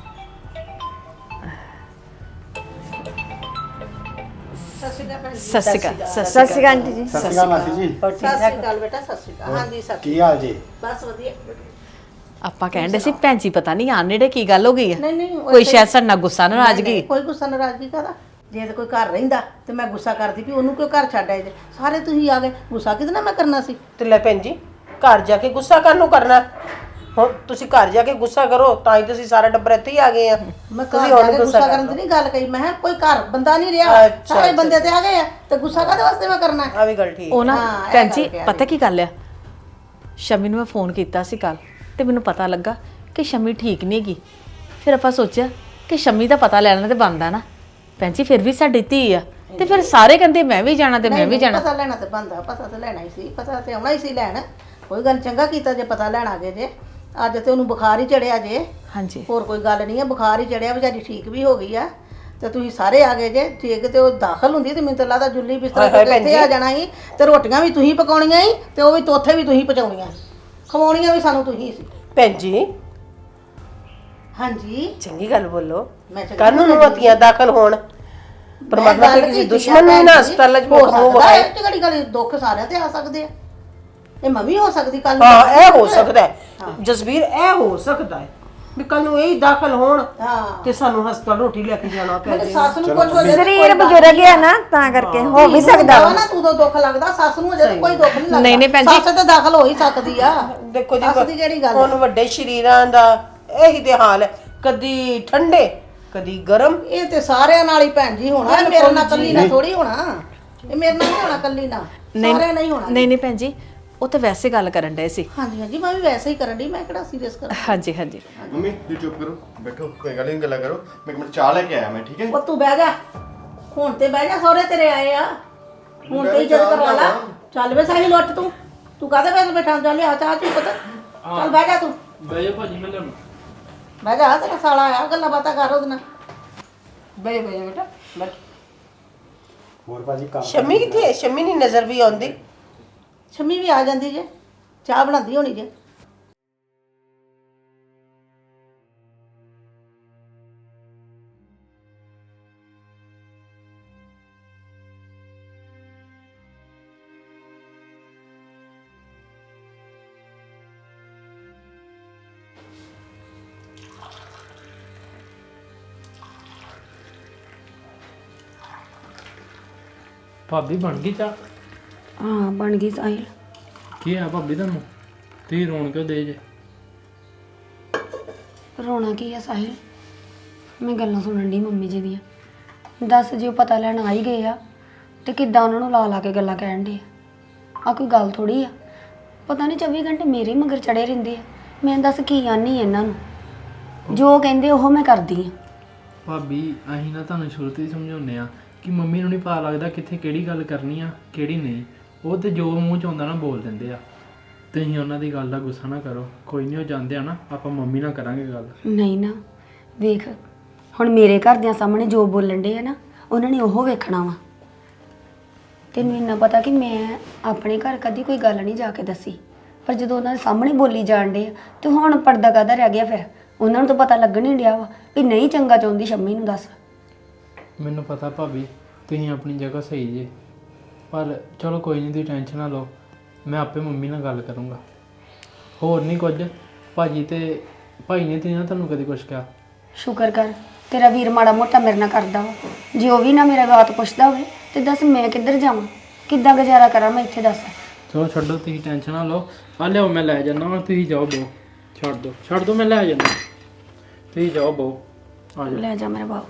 C: ਸਤਿ ਸ਼੍ਰੀ ਅਕਾਲ ਸਤਿ
B: ਸਤਿ
C: ਸ਼੍ਰੀ
B: ਸ਼੍ਰੀ ਅਕਾਲ ਆਂਟੀ ਜੀ
F: ਸਤਿ ਸ਼੍ਰੀ ਅਕਾਲ ਮਾਸੀ ਜੀ
I: ਸਤਿ ਸ਼੍ਰੀ ਅਕਾਲ ਬੇਟਾ ਸਤਿ ਸ਼੍ਰੀ ਅਕਾਲ ਹਾਂਜੀ ਸਤਿ
F: ਕੀ ਹਾਲ ਜੀ
I: ਬਸ ਵਧੀਆ
C: ਆਪਾਂ ਕਹਿੰਦੇ ਸੀ ਭੈਣ ਜੀ ਪਤਾ ਨਹੀਂ ਆਣ ਨੇੜੇ ਕੀ ਗੱਲ ਹੋ ਗਈ ਹੈ
I: ਨਹੀਂ ਨਹੀਂ
C: ਕੋਈ ਸ਼ਾਇਦ ਸਾਡੇ ਨਾਲ ਗੁੱਸਾ ਨਾਰਾਜ਼ਗੀ
I: ਕੋਈ ਗੁੱਸਾ ਨਾਰਾਜ਼ਗੀ ਕਾਹਦਾ ਜੇ ਤਾਂ ਕੋਈ ਘਰ ਰਹਿੰਦਾ ਤੇ ਮੈਂ ਗੁੱਸਾ ਕਰਦੀ ਵੀ ਉਹਨੂੰ ਕਿਉਂ ਘਰ ਛੱਡ ਆਏ ਜੇ ਸਾਰੇ ਤੁਸੀਂ ਆ ਗਏ ਗੁੱਸਾ ਕਿਹਦੇ ਨਾਲ ਮੈਂ ਕਰਨਾ ਸੀ
G: ਤੇ ਲੈ ਭੈਣ ਜੀ ਘਰ ਜਾ ਕੇ ਗੁੱਸਾ ਕਰਨ ਨੂੰ ਕਰਨਾ ਹੁਣ ਤੁਸੀਂ ਘਰ ਜਾ ਕੇ ਗੁੱਸਾ ਕਰੋ ਤਾਂ ਹੀ ਤੁਸੀਂ ਸਾਰਾ ਟੱਬਰ ਇੱਥੇ ਹੀ ਆ ਗਏ ਆ
I: ਮੈਂ ਘਰ ਜਾ ਕੇ ਗੁੱਸਾ ਕਰਨ ਦੀ ਨਹੀਂ ਗੱਲ ਕਹੀ ਮੈਂ ਕਿਹਾ ਕੋਈ ਘਰ ਬੰਦਾ ਨਹੀਂ ਰਿਹਾ
G: ਅੱਛਾ,
I: ਸਾਰੇ ਬੰਦੇ ਤੇ ਆ ਗਏ ਆ ਤੇ ਗੁੱਸਾ ਕਾਹਦੇ ਵਾਸਤੇ ਮੈਂ ਕਰਨਾ
G: ਆ ਵੀ ਗੱਲ ਠੀਕ
C: ਉਹ ਨਾ
I: ਹਾਂ, ਇਹ
C: ਭੈਣ
I: ਗੱਲ
C: ਜੀ
I: ਤੇ ਆ
C: ਪਤਾ ਕੀ ਗੱਲ ਆ ਸ਼ਮੀ ਨੂੰ ਮੈਂ ਫੋਨ ਕੀਤਾ ਸੀ ਕੱਲ ਤੇ ਮੈਨੂੰ ਪਤਾ ਲੱਗਾ ਕਿ ਸ਼ਮੀ ਠੀਕ ਨਹੀਂ ਹੈਗੀ ਫਿਰ ਆਪਾਂ ਸੋਚਿਆ ਕਿ ਸ਼ਮੀ ਦਾ ਪਤਾ ਲੈਣਾ ਤੇ ਬਣਦਾ ਨਾ ਭੈਣ ਜੀ ਫਿਰ ਵੀ ਸਾਡੀ ਧੀ ਆ ਤੇ ਫਿਰ ਸਾਰੇ ਕਹਿੰਦੇ ਮੈਂ ਵੀ ਜਾਣਾ ਤੇ ਮੈਂ ਵੀ ਜਾਣਾ
I: ਪਤਾ ਲੈਣਾ ਤੇ ਬੰਦਾ ਪਤਾ ਤੇ ਲੈਣਾ ਹੀ ਸੀ ਪਤਾ ਤੇ ਆਉਣਾ ਹੀ ਸੀ ਲੈਣ ਕੋਈ ਗੱਲ ਚੰਗਾ ਕੀਤਾ ਜੇ ਪਤਾ ਲੈਣ ਆ ਗਏ ਜੇ ਅੱਜ ਤੇ ਉਹਨੂੰ ਬੁਖਾਰ ਹੀ ਚੜਿਆ ਜੇ
C: ਹਾਂਜੀ
I: ਹੋਰ ਕੋਈ ਗੱਲ ਨਹੀਂ ਹੈ ਬੁਖਾਰ ਹੀ ਚੜਿਆ ਵਿਚਾਰੀ ਠੀਕ ਵੀ ਹੋ ਗਈ ਆ ਤੇ ਤੁਸੀਂ ਸਾਰੇ ਆ ਗਏ ਜੇ ਜੇ ਕਿਤੇ ਉਹ ਦਾਖਲ ਹੁੰਦੀ ਤੇ ਮੈਨੂੰ ਤਾਂ ਲੱਗਦਾ ਜੁੱਲੀ ਬਿਸਤਰਾ
G: ਹਾਏ ਹਾਏ
I: ਕਰਕੇ ਇੱਥੇ ਆ ਜਾਣਾ ਸੀ ਤੇ ਰੋਟੀਆਂ ਵੀ ਤੁਸੀਂ ਪਕਾਉਣੀਆਂ ਸੀ ਤੇ ਉਹ ਵੀ ਤੋਥੇ ਵੀ ਤੁਸੀਂ ਪਚਾਉਣੀਆਂ ਸੀ ਖਵਾਉਣੀਆਂ ਵੀ ਸਾਨੂੰ ਤੁਸੀਂ ਸੀ
G: ਭੈਣ ਜੀ
I: ਹਾਂਜੀ
G: ਚੰਗੀ ਗੱਲ ਬੋਲੋ
I: ਮੈਂ ਚੰਗੀ
G: ਕਾਨੂੰਨ ਮਤੀਆਂ ਦਾਖਲ ਹੋਣ ਪਰਮਾਤਮਾ ਕੋਈ ਕਿਸੇ ਦੁਸ਼ਮਣ ਨੂੰ ਨਾ ਹਸਪਤਾਲ ਚ
I: ਹੋ
G: ਮੂੰਹ
I: ਸਕਦਾ ਹੈ
G: ਵਿਖਾਏ
I: ਤੇ ਘੜੀ ਘੜੀ ਦੁੱਖ ਸਾਰਿਆਂ ਤੇ ਆ ਸਕਦੇ ਆ ਇਹ ਮੰਮੀ ਹੋ ਸਕਦੀ ਕੱਲ
G: ਹਾਂ ਇਹ ਹੋ ਸਕਦਾ ਹੈ ਜਸਵੀਰ ਇਹ ਹੋ ਸਕਦਾ ਹੈ ਵੀ ਕੱਲ ਨੂੰ ਇਹ ਹੀ ਦਾਖਲ ਹੋਣ
I: ਹਾਂ
G: ਤੇ ਸਾਨੂੰ ਹਸਪਤਾਲ ਰੋਟੀ ਲੈ ਕੇ ਜਾਣਾ ਪੈ
I: ਮੇਰੇ
G: ਜਾਏ
I: ਸੱਸ ਨੂੰ ਕੁਝ ਹੋ ਜਾਏ
B: ਸਰੀਰ ਬਜ਼ੁਰਗ ਹੈ ਨਾ ਤਾਂ ਕਰਕੇ ਹੋ ਵੀ ਸਕਦਾ ਵਾ
I: ਨਾ ਤੂੰ ਤਾਂ ਦੁੱਖ ਲੱਗਦਾ ਸੱਸ ਨੂੰ ਅਜੇ ਤਾਂ ਕੋਈ ਦੁੱਖ ਨਹੀਂ ਲੱਗਦਾ
C: ਨਹੀਂ, ਨਹੀਂ ਭੈਣ ਜੀ।
I: ਸੱਸ ਤੇ ਦਾਖਲ ਹੋ ਹੀ ਸਕਦੀ ਆ
G: ਦੇਖੋ ਜੀ
I: ਸੱਸ ਦੀ ਕਿਹੜੀ ਗੱਲ
G: ਹੁਣ ਵੱਡੇ ਸ਼ਰੀਰਾਂ ਦਾ ਇਹੀ ਤੇ ਹਾਲ ਹੈ ਕਦੀ ਠੰਡੇ ਕਦੀ ਗਰਮ
I: ਇਹ ਤੇ ਸਾਰਿਆਂ ਨਾਲ ਹੀ ਭੈਣ ਜੀ ਹੋਣਾ ਇਹ ਮੇਰੇ ਨਾਲ ਕੱਲੀ ਨਾਲ ਥੋੜੀ ਹੋਣਾ ਇਹ ਮੇਰੇ ਨਾਲ ਨਹੀਂ ਹੋਣਾ ਕੱਲੀ ਨਾਲ ਸਾਰਿਆਂ ਨਾਲ ਹੀ ਹੋਣਾ
C: ਨਹੀਂ ਨਹੀਂ ਭੈਣ ਜੀ ਉਹ ਤਾਂ ਵੈਸੇ ਗੱਲ ਕਰਨ ਡਏ ਸੀ
I: ਹਾਂਜੀ ਹਾਂਜੀ ਮੈਂ ਵੀ ਵੈਸੇ ਹੀ ਕਰਨ ਦੀ ਮੈਂ ਕਿਹੜਾ ਸੀਰੀਅਸ ਕਰਾਂ
C: ਹਾਂਜੀ ਹਾਂਜੀ
E: ਮੰਮੀ ਤੁਸੀਂ ਚੁੱਪ ਕਰੋ ਬੈਠੋ ਕੋਈ ਗੱਲ ਨਹੀਂ ਗੱਲਾਂ ਕਰੋ ਮੈਂ ਇੱਕ ਮਿੰਟ ਚਾਹ ਲੈ ਕੇ ਆਇਆ ਮੈਂ ਠੀਕ ਹੈ
I: ਉਹ ਤੂੰ ਬਹਿ ਜਾ ਹੁਣ ਤੇ ਬਹਿ ਜਾ ਸਹੁਰੇ ਤੇਰੇ ਆਏ ਆ ਹੁਣ ਤੇ ਇੱਜ਼ਤ ਕਰਵਾ ਲਾ ਚੱਲ ਵੇ ਸਾਹਿਲ ਉੱਠ ਤੂੰ ਤੂੰ ਕਾਹਦੇ ਵੇਲੇ ਬੈਠਾ ਜਾ ਲਿਆ ਚਾਹ ਚੁੱਪ ਪਤਾ ਚੱਲ ਬਹਿ ਜਾ ਤੂੰ
H: ਬਹਿ ਜਾ ਭਾਜੀ ਮੈਂ ਲਿਆਉਣਾ
I: ਬਹਿ ਜਾ ਤੇਰਾ ਸਾਲਾ ਆਇਆ ਗੱਲਾਂ ਬਾਤਾਂ ਕਰ ਉਹਦੇ ਨਾਲ
G: ਬੇ ਬੇ ਬੇਟਾ ਬੈਠ।
F: ਹੋਰ ਭਾਜੀ ਕੰਮ
G: ਸ਼ਮੀ ਕਿੱਥੇ ਹੈ ਸ਼ਮੀ ਨਹੀਂ ਨਜ਼ਰ ਵੀ ਆਉਂਦੀ
I: ਸ਼ਮੀ ਵੀ ਆ ਜਾਂਦੀ ਜੇ ਚਾਹ ਬਣਾਉਂਦੀ ਹੋਣੀ ਜੇ
H: ਭਾਬੀ ਬਣ ਗਈ ਚਾਹ?
D: ਹਾਂ ਬਣ ਗਈ ਸਾਹਿਲ।
H: ਕੀ ਆ ਭਾਬੀ ਤੁਹਾਨੂੰ? ਤੁਸੀਂ ਰੋਣ ਕਿਉਂ ਦੇ ਜੇ?
D: ਰੋਣਾ ਕੀ ਆ ਸਾਹਿਲ? ਮੈਂ ਗੱਲਾਂ ਸੁਣਨ ਦੀ ਮੰਮੀ ਜੀ ਦੀਆਂ। ਦੱਸ ਜੇ ਉਹ ਪਤਾ ਲੈਣ ਆ ਹੀ ਗਏ ਆ ਤੇ ਕਿੱਦਾਂ ਉਹਨਾਂ ਨੂੰ ਲਾ ਲਾ ਕੇ ਗੱਲਾਂ ਕਹਿਣ ਦੇ ਆ ਕੋਈ ਗੱਲ ਥੋੜੀ ਆ। ਪਤਾ ਨਹੀਂ ਚੌਵੀ ਘੰਟੇ ਮੇਰੇ ਹੀ ਮਗਰ ਚੜੇ ਰਹਿੰਦੇ ਆ। ਮੈਂ ਦੱਸ ਕੀ ਆਨੀ ਇਹਨਾਂ ਨੂੰ, ਜੋ ਕਹਿੰਦੇ ਉਹ ਮੈਂ ਕਰਦੀ ਆ।
H: ਭਾਬੀ ਅਸੀਂ ਨਾ ਤੁਹਾਨੂੰ ਸ਼ੁਰੂ ਤੋਂ ਹੀ ਸਮਝਾਉਂਦੇ ਆ ਕਿ ਮੰਮੀ ਨੂੰ ਨਹੀਂ ਪਤਾ ਲੱਗਦਾ ਕਿੱਥੇ ਕਿਹੜੀ ਗੱਲ ਕਰਨੀ ਆ ਕਿਹੜੀ ਨਹੀਂ। ਉਹ ਤੇ ਜੋ ਮੂੰਹ ਚ ਆਉਂਦਾ ਨਾ ਬੋਲ ਦਿੰਦੇ ਆ। ਤੁਸੀਂ ਉਹਨਾਂ ਦੀ ਗੱਲ ਦਾ ਗੁੱਸਾ ਨਾ ਕਰੋ, ਕੋਈ ਨਹੀਂ ਉਹ ਜਾਂਦੇ ਆ ਨਾ, ਆਪਾਂ ਮੰਮੀ ਨਾਲ ਕਰਾਂਗੇ ਗੱਲ।
D: ਨਹੀਂ ਨਾ ਵੇਖ, ਹੁਣ ਮੇਰੇ ਘਰਦਿਆਂ ਸਾਹਮਣੇ ਜੋ ਬੋਲਣ ਦੇ ਆ ਨਾ ਉਹਨਾਂ ਨੇ ਉਹ ਵੇਖਣਾ ਵਾ। ਤੈਨੂੰ ਇੰਨਾ ਪਤਾ ਕਿ ਮੈਂ ਆਪਣੇ ਘਰ ਕਦੀ ਕੋਈ ਗੱਲ ਨਹੀਂ ਜਾ ਕੇ ਦੱਸੀ, ਪਰ ਜਦੋਂ ਉਹਨਾਂ ਦੇ ਸਾਹਮਣੇ ਬੋਲੀ ਜਾਣ ਡੇ ਆ ਤੇ ਹੁਣ ਪਰਦਾ ਕਾਹਦਾ ਰਹਿ ਗਿਆ ਫਿਰ? ਉਹਨਾਂ ਨੂੰ ਤਾਂ ਪਤਾ ਲੱਗਣ ਹੀ ਡਿਆ ਵਾ ਵੀ ਨਹੀਂ ਚੰਗਾ ਚਾਹੁੰਦੀ ਸ਼ੰਮੀ ਨੂੰ। ਦੱਸ
H: ਮੈਨੂੰ ਪਤਾ ਭਾਬੀ ਤੁਸੀਂ ਆਪਣੀ ਜਗ੍ਹਾ ਸਹੀ ਜੇ, ਪਰ ਚਲੋ ਕੋਈ ਨਹੀਂ, ਤੁਸੀਂ ਟੈਨਸ਼ਨ ਨਾ ਲਓ, ਮੈਂ ਆਪੇ ਮੰਮੀ ਨਾਲ ਗੱਲ ਕਰੂੰਗਾ। ਹੋਰ ਨਹੀਂ ਕੁਝ। ਭਾਜੀ ਤੇ ਭਾਈ ਨੇ ਤੇ ਨਾ ਤੁਹਾਨੂੰ ਕਦੀ ਕੁਛ ਕਿਹਾ?
D: ਸ਼ੁਕਰ ਕਰ ਤੇਰਾ ਵੀਰ ਮਾੜਾ ਮੋਟਾ ਮੇਰੇ ਨਾਲ ਕਰਦਾ ਵਾ। ਜੇ ਉਹ ਵੀ ਨਾ ਮੇਰਾ ਬਾਤ ਪੁੱਛਦਾ ਹੋਵੇ ਤੇ ਦੱਸ ਮੈਂ ਕਿੱਧਰ ਜਾਵਾਂ, ਕਿੱਦਾਂ ਗੁਜ਼ਾਰਾ ਕਰਾਂ ਮੈਂ ਇੱਥੇ? ਦੱਸ।
H: ਚਲੋ ਛੱਡੋ, ਤੁਸੀਂ ਟੈਨਸ਼ਨ ਨਾ ਲਓ। ਆ ਲਿਆਓ ਮੈਂ ਲੈ ਜਾਣਾ ਵਾ, ਤੁਸੀਂ ਜਾਓ ਬੋ। ਛੱਡ ਦਿਓ ਛੱਡ ਦਿਓ, ਮੈਂ ਲੈ ਜਾਣਾ, ਤੁਸੀਂ ਜਾਓ ਬੋ। ਆ ਜਾਓ।
D: ਲੈ ਜਾ ਮੇਰੇ ਬਾਬੂ।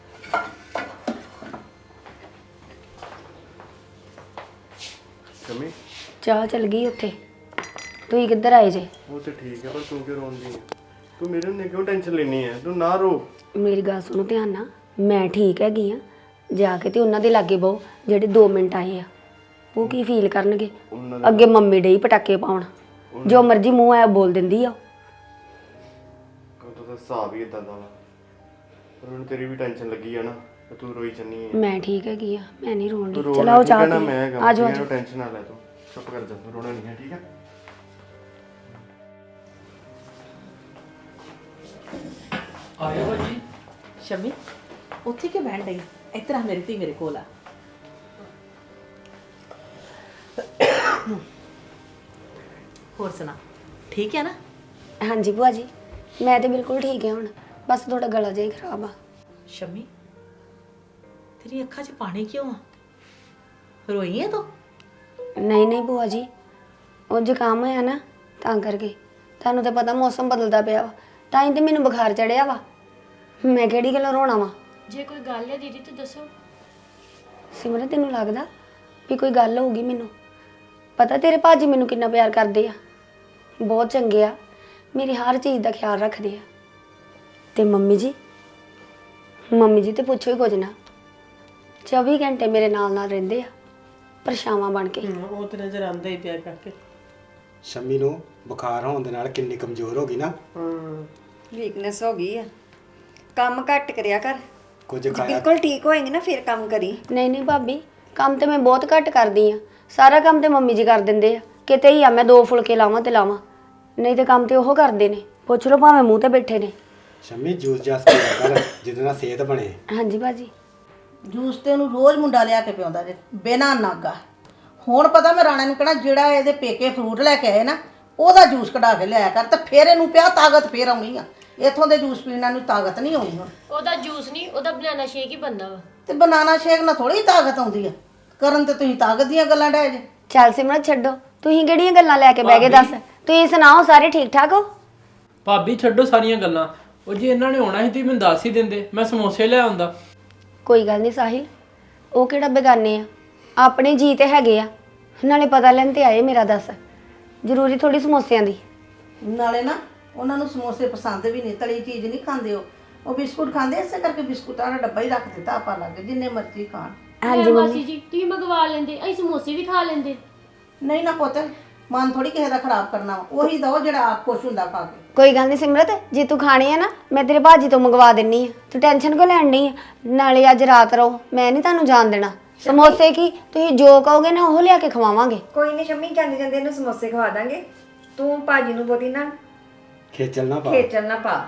E: ਸ਼ਮੀ
D: ਚਾਹ ਚਲ ਗਈ ਉੱਥੇ, ਤੁਸੀਂ ਕਿੱਧਰ ਆਏ ਜੇ?
E: ਉਹ ਤੇ ਠੀਕ ਹੈ, ਪਰ ਤੂੰ ਕਿਉਂ ਰੋਂਦੀ ਹੈ? ਤੂੰ ਮੇਰੇ ਨੇ ਕਿਉਂ ਟੈਨਸ਼ਨ ਲੈਣੀ ਹੈ? ਤੂੰ ਨਾ ਰੋ।
D: ਮੇਰੀ ਗੱਲ ਸੁਣੋ ਧਿਆਨ ਨਾਲ, ਮੈਂ ਠੀਕ ਹੈਗੀ ਆ। ਜਾ ਕੇ ਤੇ ਉਹਨਾਂ ਦੇ ਲਾਗੇ ਬਹੁ ਜਿਹੜੇ ਦੋ ਮਿੰਟ ਆਏ ਆ। ਉਹ ਕੀ ਫੀਲ ਕਰਨਗੇ? ਅੱਗੇ ਮੰਮੀ ਡਈ ਪਟਾਕੇ ਪਾਉਣ, ਜੋ ਮਰਜ਼ੀ ਮੂੰਹ ਆਇਆ ਬੋਲ ਦਿੰਦੀ ਆ।
E: ਉਹ ਤਾਂ ਹਿਸਾਬ ਹੀ ਇਦਾਂ ਦਾ ਵਾ। ਪਰ ਮੈਨੂੰ ਤੇਰੀ ਵੀ ਟੈਨਸ਼ਨ ਲੱਗੀ ਆ ਨਾ, ਤੇ ਤੂੰ ਰੋਈ ਚੰਨੀ ਹੈ।
D: ਮੈਂ ਠੀਕ ਹੈਗੀ ਆ, ਮੈਂ ਨਹੀਂ ਰੋਣ
E: ਤੂੰ
D: ਦੀ।
E: ਰੋ
D: ਚਲਾਓ ਚਾਹ
E: ਨਾ,
D: ਪੀ।
E: ਮੈਂ
D: ਆ
E: ਗਾ
D: ਜਾਓ ਆ
E: ਤੂੰ
D: ਜਾਓ।
E: ਟੈਨਸ਼ਨ ਨਾ ਲੈ, ਤੂੰ ਚੁੱਪ ਕਰ ਜਾ, ਤੂੰ ਰੋਣਾ ਨਹੀਂ ਹੈ, ਠੀਕ ਹੈ?
H: ਆਇਓ ਭਾਜੀ।
C: ਸ਼ਮੀ ਉੱਥੇ ਕਿ ਬੈਠ ਗਈ? ਇੱਧਰ ਆ ਮੇਰੀ ਧੀ, ਮੇਰੇ ਕੋਲ ਆ। ਹੋਰ ਸੁਣਾ, ਠੀਕ ਹੈ ਨਾ?
D: ਹਾਂਜੀ ਭੂਆ ਜੀ, ਮੈਂ ਤੇ ਬਿਲਕੁਲ ਠੀਕ ਹਾਂ ਹੁਣ, ਬਸ ਥੋੜਾ ਗਲਾ ਜਿਹਾ ਹੀ ਖਰਾਬ ਆ।
C: ਸ਼ਮੀ ਤੇਰੀ ਅੱਖਾਂ 'ਚ ਪਾਣੀ ਕਿਉਂ ਆ? ਰੋਈ ਹੈ ਤੂੰ?
D: ਨਹੀਂ ਨਹੀਂ ਭੂਆ ਜੀ, ਉਹ ਜ਼ੁਕਾਮ ਹੋਇਆ ਨਾ ਤਾਂ ਕਰਕੇ। ਤੁਹਾਨੂੰ ਤਾਂ ਪਤਾ ਮੌਸਮ ਬਦਲਦਾ ਪਿਆ ਵਾ, ਤਾਂ ਹੀ ਤੇ ਮੈਨੂੰ ਬੁਖਾਰ ਚੜਿਆ ਵਾ। ਮੈਂ ਕਿਹੜੀ ਗੱਲੋਂ ਰੋਣਾ ਵਾ?
A: ਜੇ ਕੋਈ ਗੱਲ ਹੈ ਦੀਦੀ ਤਾਂ ਦੱਸੋ।
D: ਸਿਮਰਨ ਤੈਨੂੰ ਲੱਗਦਾ ਵੀ ਕੋਈ ਗੱਲ ਹੋਊਗੀ? ਮੈਨੂੰ ਪਤਾ ਤੇਰੇ ਭਾਜੀ ਮੈਨੂੰ ਕਿੰਨਾ ਪਿਆਰ ਕਰਦੇ ਆ, ਬਹੁਤ ਚੰਗੇ ਆ, ਮੇਰੀ ਹਰ ਚੀਜ਼ ਦਾ ਖਿਆਲ ਰੱਖਦੇ ਆ। ਤੇ ਮੰਮੀ ਜੀ, ਮੰਮੀ ਜੀ ਤੇ ਪੁੱਛੋ ਹੀ ਕੁਝ ਨਾ, ਚੌਵੀ ਘੰਟੇ ਮੇਰੇ ਨਾਲ ਨਾਲ ਰਹਿੰਦੇ ਆ ਪਰਛਾਵਾਂ ਬਣ ਕੇ।
G: ਉਹ ਤੇ ਨਜ਼ਰ ਆਉਂਦਾ ਹੀ ਪਿਆ ਕਰਕੇ।
F: ਸ਼ੰਮੀ ਨੂੰ ਬੁਖਾਰ ਹੋਣ ਦੇ ਨਾਲ ਕਿੰਨੀ ਕਮਜ਼ੋਰ ਹੋ ਗਈ ਨਾ।
B: ਵੀਕਨੈਸ ਹੋ ਗਈ ਆ। ਕੰਮ ਘੱਟ ਕਰਿਆ ਕਰ,
F: ਕੁਝ
B: ਜੇ
F: ਖਾਇਆ
B: ਬਿਲਕੁਲ ਠੀਕ ਹੋਏਗੀ ਨਾ ਫਿਰ ਕੰਮ ਕਰੀ।
D: ਨਹੀਂ ਨਹੀਂ ਭਾਬੀ, ਕੰਮ ਤੇ ਮੈਂ ਬਹੁਤ ਘੱਟ ਕਰਦੀ ਆ। ਸਾਰਾ ਕੰਮ ਤੇ ਮੰਮੀ ਜੀ ਕਰ ਦਿੰਦੇ ਆ। ਕਿਤੇ ਹੀ ਆ ਮੈਂ ਦੋ ਫੁਲਕੇ ਲਾਵਾਂ ਤੇ ਲਾਵਾਂ, ਨਹੀਂ ਤੇ ਕੰਮ ਤੇ ਉਹ ਕਰਦੇ ਨੇ। ਪੁੱਛ ਲਓ ਭਾਵੇਂ ਮੂੰਹ ਤੇ ਬੈਠੇ ਨੇ।
F: ਸ਼ੰਮੀ ਜੂਸ ਜਾਸ ਪੀਆ ਕਰ ਜਿਹਦੇ ਨਾਲ ਸਿਹਤ ਬਣੇ।
D: ਹਾਂਜੀ ਭਾਜੀ।
J: ਜੂਸ ਤੇ ਉਹਨੂੰ ਰੋਜ਼ ਮੁੰਡਾ ਲਿਆ ਕੇ ਪਿਆਉਂਦਾ ਜੇ ਬਿਨਾਂ ਨਾਗਾ। ਹੁਣ ਪਤਾ ਮੈਂ ਰਾਣਾ ਨੂੰ ਕਹਿਣਾ ਜਿਹੜਾ ਇਹਦੇ ਪੇਕੇ ਫਰੂਟ ਲੈ ਕੇ ਆਏ ਨਾ ਉਹਦਾ ਜੂਸ ਕਢਾ ਕੇ ਲਿਆਇਆ ਕਰ, ਤੇ ਫਿਰ ਇਹਨੂੰ ਪਿਆ ਤਾਕਤ ਫੇਰ ਆਉਣੀ ਆ। ਇਥੋਂ ਦੇ ਜੂਸ ਪੀਣ ਨਾਲ ਨੂੰ ਤਾਕਤ ਨਹੀਂ ਆਉਣੀ ਹੁਣ।
A: ਉਹਦਾ ਜੂਸ ਨਹੀਂ, ਉਹਦਾ ਬਨਾਨਾ ਸ਼ੇਕ ਹੀ ਬਣਦਾ ਵਾ।
J: ਤੇ ਬਨਾਨਾ ਸ਼ੇਕ ਨਾਲ ਥੋੜੀ ਤਾਕਤ ਆਉਂਦੀ ਆ। ਕਰਨ ਤੇ ਤੁਸੀਂ ਤਾਕਤ ਦੀਆਂ ਗੱਲਾਂ ਡੈ ਜੇ।
D: ਚੱਲ ਸਿਮਰਤ ਛੱਡੋ, ਤੁਸੀਂ ਕਿਹੜੀਆਂ ਗੱਲਾਂ ਲੈ ਕੇ ਬਹਿ ਗਏ? ਦੱਸ, ਤੁਸੀਂ ਸੁਣਾਓ, ਸਾਰੇ ਠੀਕ ਠਾਕ ਹੋ?
H: ਭਾਬੀ ਛੱਡੋ ਸਾਰੀਆਂ ਗੱਲਾਂ। ਉਹ ਜੇ ਇਹਨਾਂ ਨੇ ਆਉਣਾ ਸੀ ਤੁਸੀਂ ਮੈਨੂੰ ਦੱਸ ਹੀ ਦਿੰਦੇ, ਮੈਂ ਸਮੋਸੇ ਲੈ ਆਉਂਦਾ।
D: ਕੋਈ ਗੱਲ ਨਹੀਂ ਸਾਹਿਲ, ਉਹ ਕਿਹੜਾ ਬੇਗਾਨੇ ਆ, ਆਪਣੇ ਜੀ ਤੇ ਹੈਗੇ ਆ। ਨਾਲੇ ਪਤਾ ਲੈਣ ਤੇ ਆਏ ਮੇਰਾ। ਦੱਸ, ਜ਼ਰੂਰੀ ਥੋੜੀ ਸਮੋਸਿਆਂ ਦੀ।
J: ਨਾਲੇ ਨਾ ਉਹਨਾਂ ਨੂੰ ਸਮੋਸੇ ਪਸੰਦ ਵੀ ਨਹੀਂ, ਤਲੀ ਚੀਜ਼ ਨਹੀਂ ਖਾਂਦੇ। ਉਹ ਉਹ ਬਿਸਕੁਟ ਖਾਂਦੇ, ਇਸੇ ਕਰਕੇ ਬਿਸਕੁਟਾਂ ਦਾ ਡੱਬਾ ਹੀ ਰੱਖ ਦਿੱਤਾ ਆਪਾਂ ਲੱਗ, ਜਿੰਨੇ ਮਰਜ਼ੀ ਖਾਣ।
D: ਹਾਂਜੀ
A: ਮਾਸੀ
D: ਮੰਮੀ।
A: ਜੀ ਤੁਸੀਂ ਮੰਗਵਾ ਲੈਂਦੇ, ਅਸੀਂ ਸਮੋਸੇ ਵੀ ਖਾ ਲੈਂਦੇ।
J: ਨਹੀਂ ਨਾ ਪੁੱਤ, ਮਨ ਥੋੜੀ ਕਿਸੇ ਦਾ ਖਰਾਬ ਕਰਨਾ ਵਾ। ਉਹੀ ਦੋ ਜਿਹੜਾ ਆਪ ਖੁਸ਼ ਹੁੰਦਾ ਖਾ ਕੇ।
D: ਕੋਈ ਗੱਲ ਨਹੀਂ ਸਿਮਰਤ, ਜੇ ਤੂੰ ਖਾਣੀ ਆ ਨਾ ਮੈਂ ਤੇਰੇ ਭਾਜੀ ਤੋਂ ਮੰਗਵਾ ਦਿੰਨੀ ਆ, ਤੂੰ ਟੈਨਸ਼ਨ ਕਿਉਂ ਲੈਣ ਡਈ ਆ? ਨਾਲੇ ਅੱਜ ਰਾਤ ਰਹੋ, ਮੈਂ ਨਹੀਂ ਤੁਹਾਨੂੰ ਜਾਣ ਦੇਣਾ। ਸਮੋਸੇ ਕੀ ਤੁਸੀਂ ਜੋ ਕਹੋਗੇ ਨਾ ਉਹ ਲਿਆ ਕੇ ਖਵਾਵਾਂਗੇ।
B: ਕੋਈ ਨਹੀਂ ਸ਼ੰਮੀ, ਜਾਂਦੇ ਜਾਂਦੇ ਇਹਨੂੰ ਸਮੋਸੇ ਖਵਾ ਦਾਂਗੇ। ਤੂੰ ਭਾਜੀ ਨੂੰ ਬੋਲੀ ਨਾ
F: ਖੇਚਲ ਨਾ ਪਾ।
B: ਖੇਚਲ ਨਾ ਪਾ।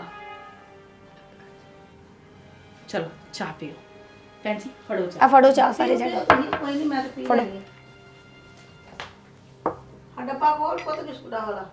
C: ਚਲੋ ਚਾਹ ਪੀਓ। ਭੈਣ ਜੀ ਫੜੋ
D: ਆ
C: ਚਾਹ।
D: ਫੜੋ ਚਾਹ ਸਾਰੇ ਜਣੇ।
J: ਕੋਈ ਨਹੀਂ, ਮੈਂ ਤਾਂ ਪੀ ਲੈਂਦੀ ਹਾਂ। ਆ ਡੱਬਾ ਖੋਲ ਪੁੱਤ ਬਿਸਕੁਟਾਂ ਵਾਲਾ।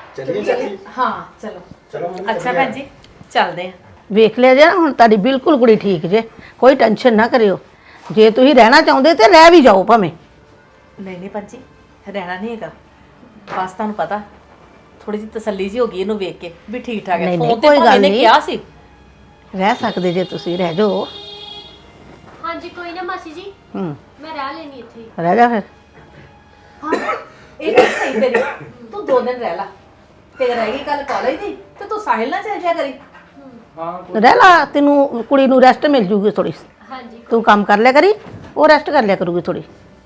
F: ਚਲਿਏ ਚਾਚੀ
C: ਹਾਂ ਚਲੋ
F: ਚਲੋ
C: ਅੱਛਾ ਭੈਣ ਜੀ ਚੱਲਦੇ ਆ।
I: ਵੇਖ ਲਿਆ ਜੇ ਨਾ ਹੁਣ ਤੁਹਾਡੀ ਬਿਲਕੁਲ ਕੁੜੀ ਠੀਕ ਜੇ, ਕੋਈ ਟੈਨਸ਼ਨ ਨਾ ਕਰਿਓ। ਜੇ ਤੁਸੀਂ ਰਹਿਣਾ ਚਾਹੁੰਦੇ ਤੇ ਰਹਿ ਵੀ ਜਾਓ ਭਾਵੇਂ।
C: ਨਹੀਂ ਨਹੀਂ ਭੈਣ ਜੀ ਰਹਿਣਾ ਨਹੀਂ ਹੈਗਾ, ਬਸ ਤੁਹਾਨੂੰ ਪਤਾ ਥੋੜੀ ਜਿਹੀ ਤਸੱਲੀ ਜੀ ਹੋ ਗਈ ਇਹਨੂੰ ਵੇਖ ਕੇ ਵੀ ਠੀਕ ਠਾਕ ਹੈ।
I: ਨਹੀਂ, ਨਹੀਂ,
C: ਫੋਨ ਤੇ
I: ਕੋਈ
C: ਭਾਵੇਂ
I: ਗੱਲ
C: ਨੇ
I: ਨਹੀਂ।
C: ਕਿਹਾ ਸੀ।
I: ਰਹਿ ਸਕਦੇ ਜੇ ਤੁਸੀਂ, ਰਹਿ ਜਾਓ।
A: ਹਾਂਜੀ ਕੋਈ ਨਾ ਮਾਸੀ ਜੀ,
I: ਹੂੰ
A: ਮੈਂ ਰਹਿ ਲੈਣੀ ਇੱਥੇ ਹੀ।
I: ਰਹਿ ਜਾ ਫਿਰ।
C: ਹਾਂ ਇਹ ਤਾਂ ਸਹੀ ਤੇਰੀ, ਤੂੰ ਦੋ ਦਿਨ ਰਹਿ ਲਾ, ਤੇ ਰਹਿ ਗਈ ਕੱਲ ਕਾਲਜ ਦੀ ਤੇ ਤੂੰ ਸਾਹਿਲ ਨਾਲ ਚੱਲ ਜਾ ਕਰੀ।
I: ਰਹਿ ਲਾ, ਤੈਨੂੰ ਕੁੜੀ ਨੂੰ ਰੈਸਟ ਮਿਲ ਜੂਗੀ ਥੋੜੀ।
A: ਹਾਂਜੀ
I: ਤੂੰ ਕੰਮ ਕਰ ਲਿਆ ਕਰੀ, ਉਹ ਰੈਸਟ ਕਰ ਲਿਆ ਕਰੂਗੀ ਥੋੜੀ।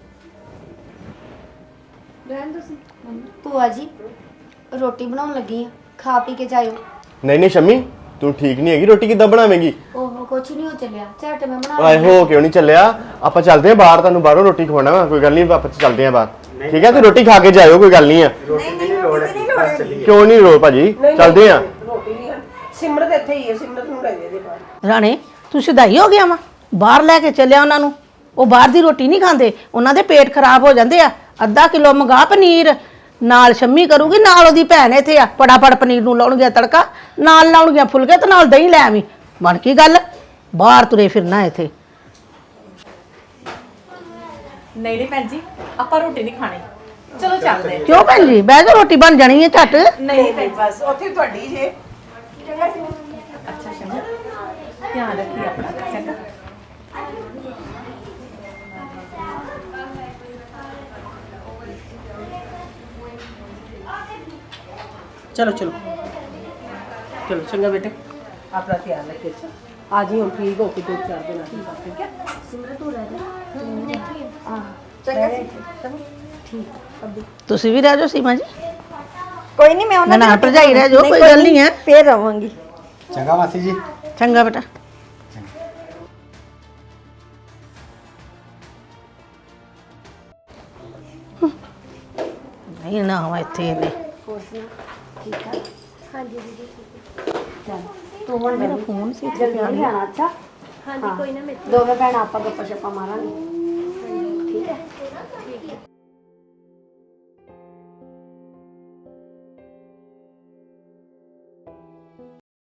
D: ਭੂਆ ਜੀ ਰੋਟੀ ਬਣਾਉਣ ਲੱਗੀ ਆ, ਖਾ ਪੀ ਕੇ ਜਾਇਓ।
E: ਨਹੀਂ ਨਹੀਂ ਸ਼ਮੀ, ਤੂੰ ਠੀਕ ਨਹੀਂ ਹੈਗੀ, ਰੋਟੀ ਕਿੱਦਾਂ ਬਣਾਵੇਂਗੀ?
D: ਉਹ ਕੁਛ ਨਹੀਂ ਹੋ ਚੱਲਿਆ, ਝਟ ਮੈਂ ਬਣਾ
E: ਆਏ ਹੋ ਕਿਉਂ ਨਹੀਂ ਚੱਲਿਆ? ਆਪਾਂ ਚੱਲਦੇ ਆ ਬਾਹਰ, ਤੁਹਾਨੂੰ ਬਾਹਰੋਂ ਰੋਟੀ ਖਵਾਉਣਾ ਵਾ, ਕੋਈ ਗੱਲ ਨਹੀਂ, ਆਪਾਂ ਚੱਲਦੇ ਆ ਬਾਹਰ। ਠੀਕ ਹੈ, ਤੂੰ ਰੋਟੀ ਖਾ ਕੇ ਜਾਇਓ, ਕੋਈ ਗੱਲ ਨਹੀਂ ਆ।
F: ਰੋਟੀ ਦੀ ਨਹੀਂ ਲੋੜ ਹੈ, ਬਸ ਚੱਲੀਏ।
E: ਕਿਉਂ ਨਹੀਂ ਰੋ ਭਾਜੀ, ਚੱਲਦੇ ਆ।
G: ਰੋਟੀ ਨਹੀਂ ਸਿਮਰਤ ਇੱਥੇ ਹੀ ਹੈ, ਸਿਮਰਤ ਨੂੰ ਲੈ ਦੇ ਦੇ ਬਾਹਰ।
I: ਰਾਣੇ ਤੂੰ ਸਿਧਾਈ ਹੋ ਗਿਆ ਵਾ, ਬਾਹਰ ਲੈ ਕੇ ਚੱਲਿਆ ਉਹਨਾਂ ਨੂੰ। ਉਹ ਬਾਹਰ ਦੀ ਰੋਟੀ ਨਹੀਂ ਖਾਂਦੇ, ਉਹਨਾਂ ਦੇ ਪੇਟ ਖਰਾਬ ਹੋ ਜਾਂਦੇ ਆ। ਅੱਧਾ ਕਿਲੋ ਮੰਗਾ ਪਨੀਰ, ਨਾਲ ਸ਼ੰਮੀ ਕਰੂਗੀ, ਨਾਲ ਉਹਦੀ ਭੈਣ ਇੱਥੇ ਆ, ਫਟਾਫਟ ਪਨੀਰ ਨੂੰ ਲਾਉਣਗੇ ਤੜਕਾ, ਨਾਲ ਲਾਉਣਗੇ ਫੁਲਕੇ ਤੇ ਨਾਲ ਦਹੀਂ ਲੈ ਆਵੀਂ। ਬਣ ਕੀ ਗੱਲ, ਬਾਹਰ ਤੁਰੇ ਫਿਰਨਾ ਇੱਥੇ।
C: ਨਹੀਂ ਨਹੀਂ ਭੈਣ ਜੀ ਆਪਾਂ ਰੋਟੀ ਨਹੀਂ ਖਾਣੀ, ਚਲੋ ਚੱਲਦੇ ਆ।
I: ਕਿਉਂ ਭੈਣ ਜੀ, ਬਹਿ ਜਾ, ਰੋਟੀ ਬਣ ਜਾਣੀ ਹੈ ਝੱਟ।
C: ਨਹੀਂ ਨਹੀਂ ਭੈਣ ਜੀ,
G: ਬਸ ਉੱਥੇ ਤੁਹਾਡੀ ਜੇ
C: ਅੱਛਾ ਸ਼ਮੀ ਧਿਆਨ ਰੱਖੀ ਆਪਣਾ, ਚੰਗਾ।
G: ਚਲੋ ਚਲੋ ਚਲੋ ਚੰਗਾ ਬੇਟੇ, ਆਪਣਾ ਧਿਆਨ ਰੱਖਿਓ। ਅੱਛਾ ਆ ਜੀ ਹੁਣ ਠੀਕ ਹੋ ਕੇ ਦੋ ਚਾਰ ਦਿਨ ਆ ਜਾਈਂ, ਠੀਕ ਹੈ।
I: ਤੁਸੀਂ ਵੀ ਰਹਿ ਜਾਓ ਸੀਮਾ ਜੀ।
B: ਕੋਈ ਨਹੀਂ, ਮੈਂ ਉਹਨਾਂ
I: ਨਾ ਭਰਜਾਈ ਰਹਿ ਜਾਓ, ਕੋਈ ਗੱਲ ਨਹੀਂ ਹੈ।
B: ਫੇਰ ਰਵਾਂਗੀ।
F: ਚੰਗਾ ਮਾਸੀ ਜੀ।
I: ਚੰਗਾ ਬੇਟਾ। ਨਹੀਂ ਨਾ ਆਵਾਂ ਇੱਥੇ ਇਹਨੇ।
A: ਹਾਂਜੀ ਦੀਦੀ ਠੀਕ ਹੈ।
D: ਤੂੰ ਹੁਣ ਮੇਰਾ
I: ਫੋਨ ਸੀ ਇੱਥੇ
D: ਜਲਦੀ
I: ਪਿਆ
D: ਨਹੀਂ ਜਾਣਾ। ਅੱਛਾ
A: ਹਾਂਜੀ ਕੋਈ ਨਾ ਮੈਂ
D: ਦੋਵੇਂ ਭੈਣਾਂ ਆਪਾਂ ਗੱਪਾਂ ਸ਼ੱਪਾਂ ਮਾਰਾਂਗੇ। ਠੀਕ ਹੈ।
A: ਠੀਕ ਹੈ।